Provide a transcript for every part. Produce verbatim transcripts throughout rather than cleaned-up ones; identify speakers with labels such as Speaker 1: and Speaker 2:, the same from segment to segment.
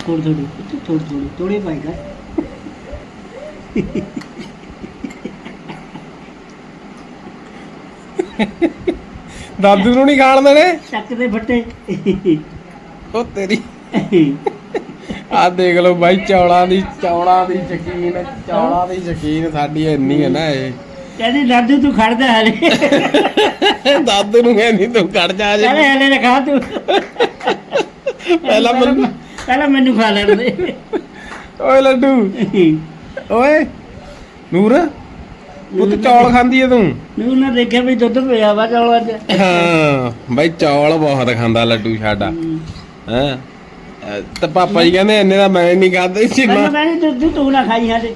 Speaker 1: थोड़ी थोड़ी थोड़ी थोड़ी थोड़ी पाएगा
Speaker 2: ਦਾਦੂ ਨੂੰ ਨਹੀਂ ਖਾਣ ਦੇਣੇ
Speaker 1: ਚੱਕ ਦੇ ਫੱਟੇ
Speaker 2: ਉਹ ਤੇਰੀ ਆ ਦੇਖ ਲਓ ਬਾਈ ਚੌਲਾਂ ਦੀ ਚੌਲਾਂ ਦੀ ਸ਼ਕੀਨ ਚੌਲਾਂ ਦੀ ਸ਼ਕੀਨ ਸਾਡੀ ਇੰਨੀ ਹੈ ਨਾ ਇਹ
Speaker 1: ਕਹਿੰਦੀ ਦਾਦੂ ਤੂੰ ਖੜਦਾ ਹਲੇ
Speaker 2: ਦਾਦੂ ਨੂੰ ਕਹਿੰਦੀ ਤੂੰ ਕੱਢ ਜਾ ਜੇ
Speaker 1: ਹਲੇ ਹਲੇ ਰਖਾ ਤੂੰ
Speaker 2: ਪਹਿਲਾਂ ਮੈਨੂੰ
Speaker 1: ਪਹਿਲਾਂ ਮੈਨੂੰ ਖਾ ਲੈਣ ਦੇ
Speaker 2: ਓਏ ਲੱਡੂ ਓਏ ਨੂਰ ਪੁੱਤ ਚੌਲ ਖਾਂਦੀ ਐ ਤੂੰ
Speaker 1: ਨੂੰ ਨਾ ਦੇਖਿਆ ਵੀ ਦੁੱਧ ਪਿਆ ਵਾ ਚੌਲਾਂ 'ਚ
Speaker 2: ਹਾਂ ਬਾਈ ਚੌਲ ਬਹੁਤ ਖਾਂਦਾ ਲੱਡੂ ਸਾਡਾ ਹੈਂ ਤੇ ਪਾਪਾ ਜੀ ਕਹਿੰਦੇ ਇੰਨੇ ਦਾ ਮੈਂ ਨਹੀਂ ਖਾਂਦਾ ਸੀ
Speaker 1: ਮੈਂ
Speaker 2: ਨਾ
Speaker 1: ਕਹਿੰਦੀ ਦੁੱਧ ਤੂੰ ਨਾ ਖਾਈ ਹਾਲੇ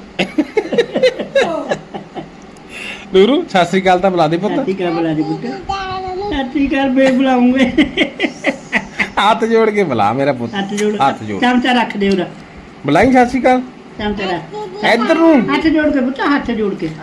Speaker 2: ਨੂਰੂ ਸਤਿ ਸ੍ਰੀ ਅਕਾਲ ਤਾਂ ਬੁਲਾ ਦੇ ਪੁੱਤ
Speaker 1: ਸੱਤੀ ਕਰ ਬੁਲਾ ਦੇ ਪੁੱਤ ਸੱਤੀ ਕਰ ਬੇ ਬੁਲਾਉਂਗੇ
Speaker 2: ਹੱਥ ਜੋੜ ਕੇ ਬੁਲਾ ਮੇਰਾ ਪੁੱਤ
Speaker 1: ਹੱਥ ਜੋੜ
Speaker 2: ਹੱਥ ਜੋੜ
Speaker 1: ਚਮਚਾ ਰੱਖ ਦੇ ਉਰਾ
Speaker 2: ਬੁਲਾਈ ਸਤਿ ਸ੍ਰੀ ਅਕਾਲ
Speaker 1: ਚਮਚਾ ਰੱਖ
Speaker 2: ਇੱਧਰ ਨੂੰ
Speaker 1: ਹੱਥ ਜੋੜ ਕੇ ਪੁੱਤ ਹੱਥ ਜੋੜ ਕੇ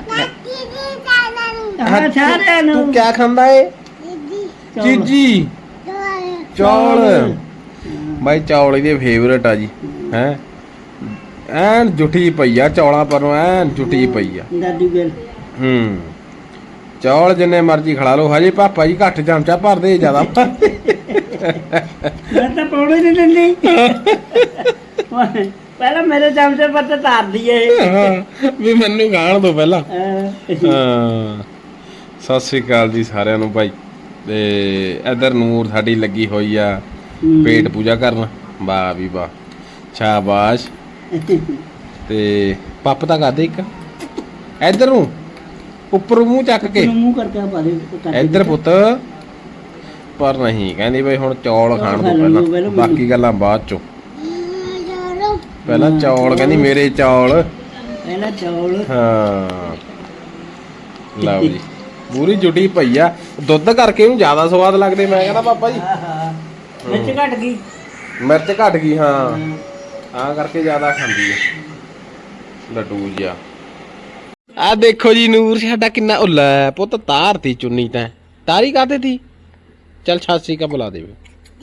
Speaker 1: ਹਾਂ ਸਾਰਿਆਂ ਨੂੰ
Speaker 2: ਤੂੰ ਕਿਆ ਖਾਂਦਾ ਏ ਜੀਜੀ ਚੌਲ ਬਾਈ ਚੌਲ ਇਹਦੇ ਫੇਵਰੇਟ ਆ ਜੀ ਹੈ ਐਨ ਜੁੱਠੀ ਪਈ ਆ ਚੌਲਾਂ ਪਰੋਂ ਐਨ ਜੁੱਠੀ ਪਈ ਆ
Speaker 1: ਦਾਦੀ ਗੱਲ
Speaker 2: ਹੂੰ ਚੌਲ ਜਿੰਨੇ ਮਰਜ਼ੀ ਖੜਾ ਲਓ ਹਜੇ ਪਾਪਾ ਜੀ ਘੱਟ ਚਮਚਾ ਭਰਦੇ ਜ਼ਿਆਦਾ
Speaker 1: ਮੈਂ ਤਾਂ ਪਾਉਣੇ ਨਹੀਂ ਦਿੰਦੀ ਪਹਿਲਾਂ ਮੇਰੇ ਚਮਚੇ ਪਰ ਤਾਂ ਤਾਰਦੀ ਏ
Speaker 2: ਹਾਂ ਵੀ ਮੈਨੂੰ ਖਾਣ ਦੋ ਪਹਿਲਾਂ
Speaker 1: ਹਾਂ
Speaker 2: ਹਾਂ ਸਤਿ ਸ੍ਰੀ ਅਕਾਲ ਜੀ ਸਾਰਿਆਂ ਨੂੰ ਭਾਈ ਤੇ ਇਧਰ ਨੂਰ ਸਾਡੀ ਲੱਗੀ ਹੋਈ ਆ ਪੇਟ ਪੂਜਾ ਕਰਨ ਵਾਹ ਵੀ ਵਾਹ ਸ਼ਾਬਾਸ਼ ਤੇ ਪੱਪ ਤਾਂ ਕਰਦੇ ਇੱਕ ਇਧਰ ਨੂੰ ਉੱਪਰ ਮੂੰਹ ਚੱਕ ਕੇ
Speaker 1: ਮੂੰਹ ਕਰਕੇ ਪਾ ਦੇ
Speaker 2: ਇਧਰ ਪੁੱਤ ਪਰ ਨਹੀਂ ਕਹਿੰਦੀ ਬਈ ਹੁਣ ਚੌਲ ਖਾਣ ਤੋਂ ਪਹਿਲਾਂ ਬਾਕੀ ਗੱਲਾਂ ਬਾਅਦ ਚੋਂ ਪਹਿਲਾਂ ਚੌਲ ਕਹਿੰਦੀ ਮੇਰੇ ਚੌਲ
Speaker 1: ਪਹਿਲਾਂ ਚੌਲ
Speaker 2: ਹਾਂ ਲਓ ਜੀ ਪੂਰੀ ਜੁਟੀ ਪਈ ਆ ਦੁੱਧ ਕਰਕੇ ਉਹਨੂੰ ਜ਼ਿਆਦਾ ਸਵਾਦ ਲੱਗਦੇ ਮੈਂ ਕਹਿੰਦਾ ਪਾਪਾ ਜੀ
Speaker 1: ਮਿਰਚ ਘਟ ਗਈ
Speaker 2: ਮਿਰਚ ਘਟ ਗਈ ਹਾਂ ਆ ਕਰਕੇ ਜ਼ਿਆਦਾ ਖਾਂਦੀ ਆ ਲੱਡੂ ਜਿਹਾ ਆ ਦੇਖੋ ਜੀ ਨੂਰ ਸਾਡਾ ਕਿੰਨਾ ਉੱਲਾ ਪੁੱਤ ਤਾਰਤੀ ਚੁੰਨੀ ਤੈਂ ਤਾਰੀ ਕਾਤੇ ਤੀ ਚੱਲ ਛਾਸੀ ਕਾ ਬੁਲਾ ਦੇ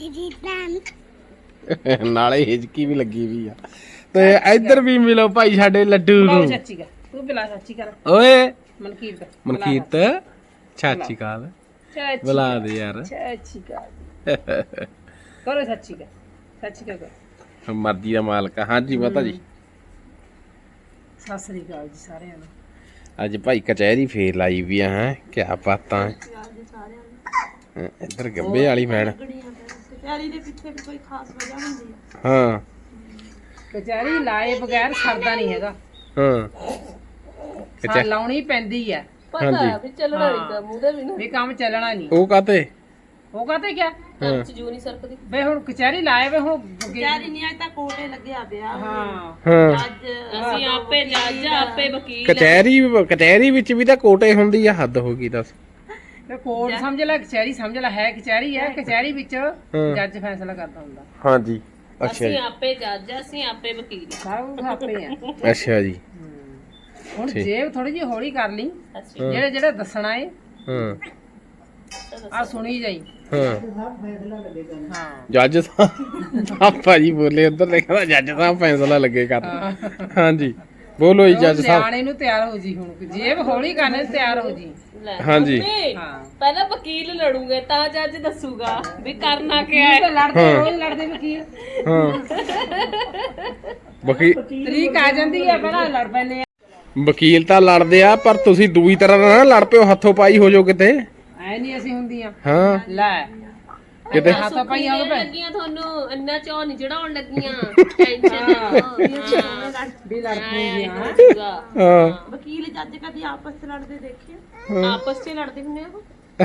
Speaker 2: ਨਾਲੇ ਹਿਜਕੀ ਵੀ ਲੱਗੀ ਵੀ ਆ ਤੇ ਇੱਧਰ ਵੀ ਮਿਲੋ ਭਾਈ ਸਾਡੇ ਲੱਡੂ ਨੂੰ
Speaker 3: ਚਾਚੀ ਕਾ ਤੂੰ ਬਿਲਾ ਚਾਚੀ ਕਰ
Speaker 2: ਓਏ
Speaker 3: ਮਨਕੀਰਤ
Speaker 2: ਮਨਕੀਰਤ ਚਾਚੀ ਕਾਲ
Speaker 3: ਚਾਚੀ
Speaker 2: ਬੁਲਾ ਦੇ ਯਾਰ
Speaker 3: ਚਾਚੀ ਕਾ ਕਰੋ ਚਾਚੀ ਕਾ ਚਾਚੀ ਕਾ ਕਰ
Speaker 2: ਮਰਜ਼ੀ ਦਾ ਮਾਲਕ ਆ। ਹਾਂਜੀ ਮਾਤਾ ਜੀ
Speaker 3: ਸਤਿ ਸ੍ਰੀ ਅਕਾਲ ਜੀ ਸਾਰਿਆਂ ਨੂੰ
Speaker 2: ਅੱਜ ਭਾਈ ਕਚਹਿਰੀ ਫੇਰ ਲਾਈ ਵੀ ਆ ਹੈ ਕਿਆ ਬਾਤਾਂ ਹੈ ਇੱਧਰ ਗੱਬੇ ਵਾਲੀ ਮੈਡ
Speaker 4: ਕਚਹਿਰੀ ਦੇ ਪਿੱਛੇ ਵੀ ਕੋਈ ਖਾਸ ਵਜ੍ਹਾ ਹੁੰਦੀ ਆ
Speaker 2: ਹਾਂ
Speaker 3: ਕਚਹਿਰੀ ਲਾਏ ਬਗੈਰ ਸਰਦਾ ਨਹੀਂ ਹੈਗਾ
Speaker 2: ਹਾਂ
Speaker 3: ਹਾਂ ਲਾਉਣੀ ਪੈਂਦੀ ਆ
Speaker 2: ਹਾਂਜੀ
Speaker 4: ਵੀ ਚੱਲਣਾ ਨਹੀਂ ਤਾਂ ਮੂੰਹ ਦੇ ਵੀ
Speaker 3: ਵੀ ਕੰਮ ਚੱਲਣਾ ਨਹੀਂ
Speaker 2: ਉਹ ਕਾਤੇ
Speaker 3: ਉਹ ਕਹਤੇ ਕਿਆ
Speaker 2: ਹਾਂ
Speaker 4: ਜੂ ਨਹੀਂ ਸਰਕਦੀ
Speaker 3: ਵੇ ਹੁਣ ਕਚਹਿਰੀ ਲਾਏ ਵੇ ਹੁਣ
Speaker 4: ਕਚਹਿਰੀ ਨਹੀਂ ਅੱਜ ਤਾਂ ਕੋਟੇ ਲੱਗਿਆ ਪਿਆ
Speaker 3: ਹਾਂ
Speaker 2: ਹਾਂ
Speaker 4: ਅੱਜ ਅਸੀਂ ਆਪੇ ਜੱਜ ਆਪੇ ਵਕੀਲ
Speaker 2: ਕਚਹਿਰੀ ਕਚਹਿਰੀ ਵਿੱਚ ਵੀ ਤਾਂ ਕੋਟੇ ਹੁੰਦੀ ਆ ਹੱਦ ਹੋ ਗਈ ਦੱਸ
Speaker 3: ਤੇ ਕੋਰਟ ਸਮਝ ਲੈ ਕਚਹਿਰੀ ਸਮਝ ਲੈ ਹੈ ਕਚਹਿਰੀ ਹੈ ਕਚਹਿਰੀ ਵਿੱਚ ਜੱਜ ਫੈਸਲਾ ਕਰਦਾ ਹੁੰਦਾ
Speaker 2: ਹਾਂਜੀ ਅੱਛਾ
Speaker 4: ਅਸੀਂ
Speaker 2: ਜੀ
Speaker 4: ਆਪੇ ਜੱਜ ਅਸੀਂ ਆਪੇ ਵਕੀਲ
Speaker 3: ਸਾਰਾ ਕੁਝ ਆਪੇ ਆ
Speaker 2: ਅੱਛਾ ਜੀ
Speaker 3: ਹੁਣ ਜੇਬ ਥੋੜੀ ਜਿਹੀ ਹੌਲੀ ਕਰ ਲਈ ਜਿਹੜੇ ਜਿਹੜੇ ਦੱਸਣਾ ਏ
Speaker 2: ਹਾਂ
Speaker 3: ਆ ਸੁਣੀ ਜਾਈ
Speaker 2: ਹਾਂ
Speaker 3: ਹਾਂ
Speaker 2: ਜੱਜ ਸਾਹਿਬ ਆ ਭਾਜੀ ਬੋਲੇ ਉੱਧਰ ਲਿਖਦਾ ਜੱਜ ਸਾਹਿਬ ਫੈਸਲਾ ਲੱਗੇ ਕਰ ਹਾਂਜੀ ਬੋਲੋ ਜੀ ਜੱਜ ਸਾਹਿਬ
Speaker 3: ਸਿਆਣੇ ਨੂੰ ਤਿਆਰ ਹੋ ਜੀ ਹੁਣ ਜੇਬ ਹੌਲੀ ਕਰਨੇ ਨੂੰ ਤਿਆਰ ਹੋ ਜੀ
Speaker 2: ਹਾਂਜੀ
Speaker 3: ਹਾਂ
Speaker 4: ਪਹਿਲਾਂ ਵਕੀਲ ਲੜੂਗੇ ਤਾਂ ਜੱਜ ਦੱਸੂਗਾ ਵੀ ਕਰਨਾ ਕਿਆ ਹੈ
Speaker 3: ਲੜਦੇ ਰੋਜ਼ ਲੜਦੇ ਵਕੀਲ
Speaker 2: ਹਾਂ ਵਕੀਲ
Speaker 3: ਤਰੀਕ ਆ ਜਾਂਦੀ ਹੈ ਪਹਿਲਾਂ ਲੜ ਪੈਨੇ ਆ
Speaker 2: ਵਕੀਲ ਤਾਂ ਲੜਦੇ ਆ ਪਰ ਤੁਸੀਂ ਦੂਈ ਤਰ੍ਹਾਂ ਨਾਲ ਨਾ ਲੜ ਪਿਓ ਹੱਥੋਂ ਪਾਈ ਹੋ ਜਾਓ ਕਿਤੇ
Speaker 3: ਐ ਨਹੀਂ ਅਸੀਂ ਹੁੰਦੀਆਂ
Speaker 2: ਹਾਂ
Speaker 3: ਲੈ
Speaker 2: ਕਿਤੇ
Speaker 3: ਹੱਥਾਂ ਪਾਈਆਂ ਹੋ ਪਏ
Speaker 4: ਲੱਗੀਆਂ ਤੁਹਾਨੂੰ ਇੰਨਾ ਚਾਹ ਨਹੀਂ ਚੜਾਉਣ ਲੱਗੀਆਂ ਟੈਨਸ਼ਨ
Speaker 3: ਵੀ ਲੜ ਪੂਗੀਆਂ
Speaker 2: ਹਾਂ
Speaker 4: ਵਕੀਲ ਜੱਜ ਕਦੀ ਆਪਸ ਚ ਲੜਦੇ ਦੇਖੇ ਆਪਸ ਚ ਲੜਦੇ ਹੁੰਦੇ ਆ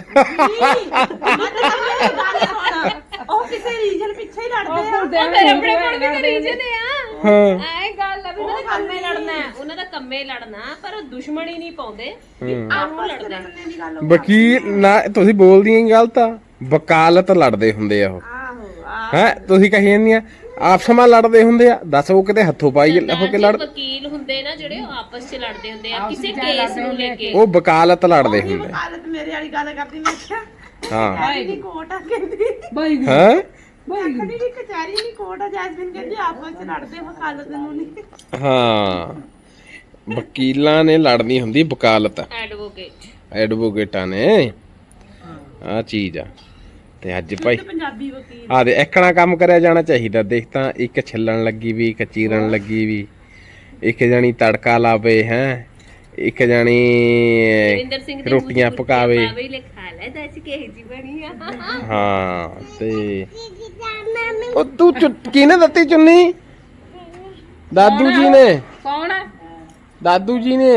Speaker 4: ਉਹ ਕਿਸੇ ਰੀਜਨ ਪਿੱਛੇ ਹੀ ਲੜਦੇ ਆ
Speaker 3: ਮੇਰੇ
Speaker 4: ਆਪਣੇ ਕੋਲ ਵੀ ਰੀਜਨ ਆ
Speaker 2: ਹਾਂ
Speaker 4: ਐ ਗੱਲ ਆ ਵੀ ਉਹਨਾਂ ਦਾ ਕੰਮੇ ਲੜਨਾ ਹੈ ਉਹਨਾਂ ਦਾ ਕੰਮੇ ਲੜਨਾ ਪਰ ਉਹ ਦੁਸ਼ਮਣੀ ਨਹੀਂ ਪਾਉਂਦੇ ਆਪਸ ਚ ਲੜਨੇ ਦੀ ਗੱਲ
Speaker 2: ਵਕੀਲ ਨਾ ਤੁਸੀਂ ਬੋਲਦੀਆਂ ਹੀ ਗਲਤ ਆ ਵਕਾਲਤ ਲੜਦੇ ਹੁੰਦੇ ਆ ਉਹ ਹੈ ਤੁਸੀਂ ਕਹੀ ਜਾਂਦੀਆਂ ਆਪਸ ਵਿੱਚ ਲੜਦੇ ਹੁੰਦੇ ਆ ਦੱਸ ਉਹ ਕਿਤੇ ਹੱਥੋਂ ਪਾਈ ਹੋ ਕੇ ਲੜ
Speaker 4: ਵਕੀਲ ਹੁੰਦੇ ਨਾ ਜਿਹੜੇ ਉਹ ਆਪਸ ਚ ਲੜਦੇ ਹੁੰਦੇ ਆ ਕਿਸੇ ਕੇਸ ਨੂੰ ਲੈ ਕੇ
Speaker 2: ਉਹ ਵਕਾਲਤ ਲੜਦੇ ਹੁੰਦੇ
Speaker 4: ਵਕਾਲਤ ਮੇਰੇ ਵਾਲੀ ਗੱਲ ਕਰਦੀ ਮੈਂ ਕਿਹਾ
Speaker 2: ਹਾਂ
Speaker 4: ਇਹਦੀ ਕੋਟ ਆ ਕਹਿੰਦੀ
Speaker 3: ਬਾਈ
Speaker 2: ਹੈ
Speaker 3: ਆਖਣੀ ਵੀ ਕਚਹਿਰੀ ਨਹੀਂ ਕੋਰਟ ਆ ਜੈਸਮੀਨ ਕਹਿੰਦੀ ਆਪਸ ਚ ਲੜਦੇ ਵਕਾਲਤ ਨੂੰ ਨਹੀਂ
Speaker 2: ਹਾਂ ਵਕੀਲਾਂ ਨੇ ਲੜਨੀ ਹੁੰਦੀ ਵਕਾਲਤ
Speaker 4: ਐਡਵੋਕੇਟ
Speaker 2: ਐਡਵੋਕੇਟਾਂ ਨੇ ਆ ਚੀਜ਼ ਆ ਤੇ ਅੱਜ ਭਾਈ
Speaker 3: ਪੰਜਾਬੀ ਵਕੀਲ
Speaker 2: ਆ ਦੇ ਇੱਕਣਾ ਕੰਮ ਕਰਿਆ ਜਾਣਾ ਚਾਹੀਦਾ ਦੇਖ ਤਾਂ ਇੱਕ ਛਿੱਲਣ ਲੱਗੀ ਵੀ ਇੱਕ ਚੀਰਨ ਲੱਗੀ ਵੀ ਇੱਕ ਜਣੀ ਤੜਕਾ ਲਾਵੇ ਹੈ ਇੱਕ ਜਣੀ
Speaker 4: ਰਵਿੰਦਰ ਸਿੰਘ ਦੇ
Speaker 2: ਰੋਟੀਆਂ ਪਕਾਵੇ
Speaker 4: ਪਾਵੇ ਲੈ ਖਾ ਲੈ ਦੱਸ ਕਿਹੇ ਜੀ ਬਣੀ ਆ
Speaker 2: ਹਾਂ ਤੇ ਉਹ ਤੂੰ ਚੁ- ਕਿਹਨੇ ਦਿੱਤੀ ਚੁੰਨੀ ਦਾਦੂ ਜੀ ਨੇ
Speaker 3: ਕੌਣ ਹੈ
Speaker 2: ਦਾਦੂ ਜੀ ਨੇ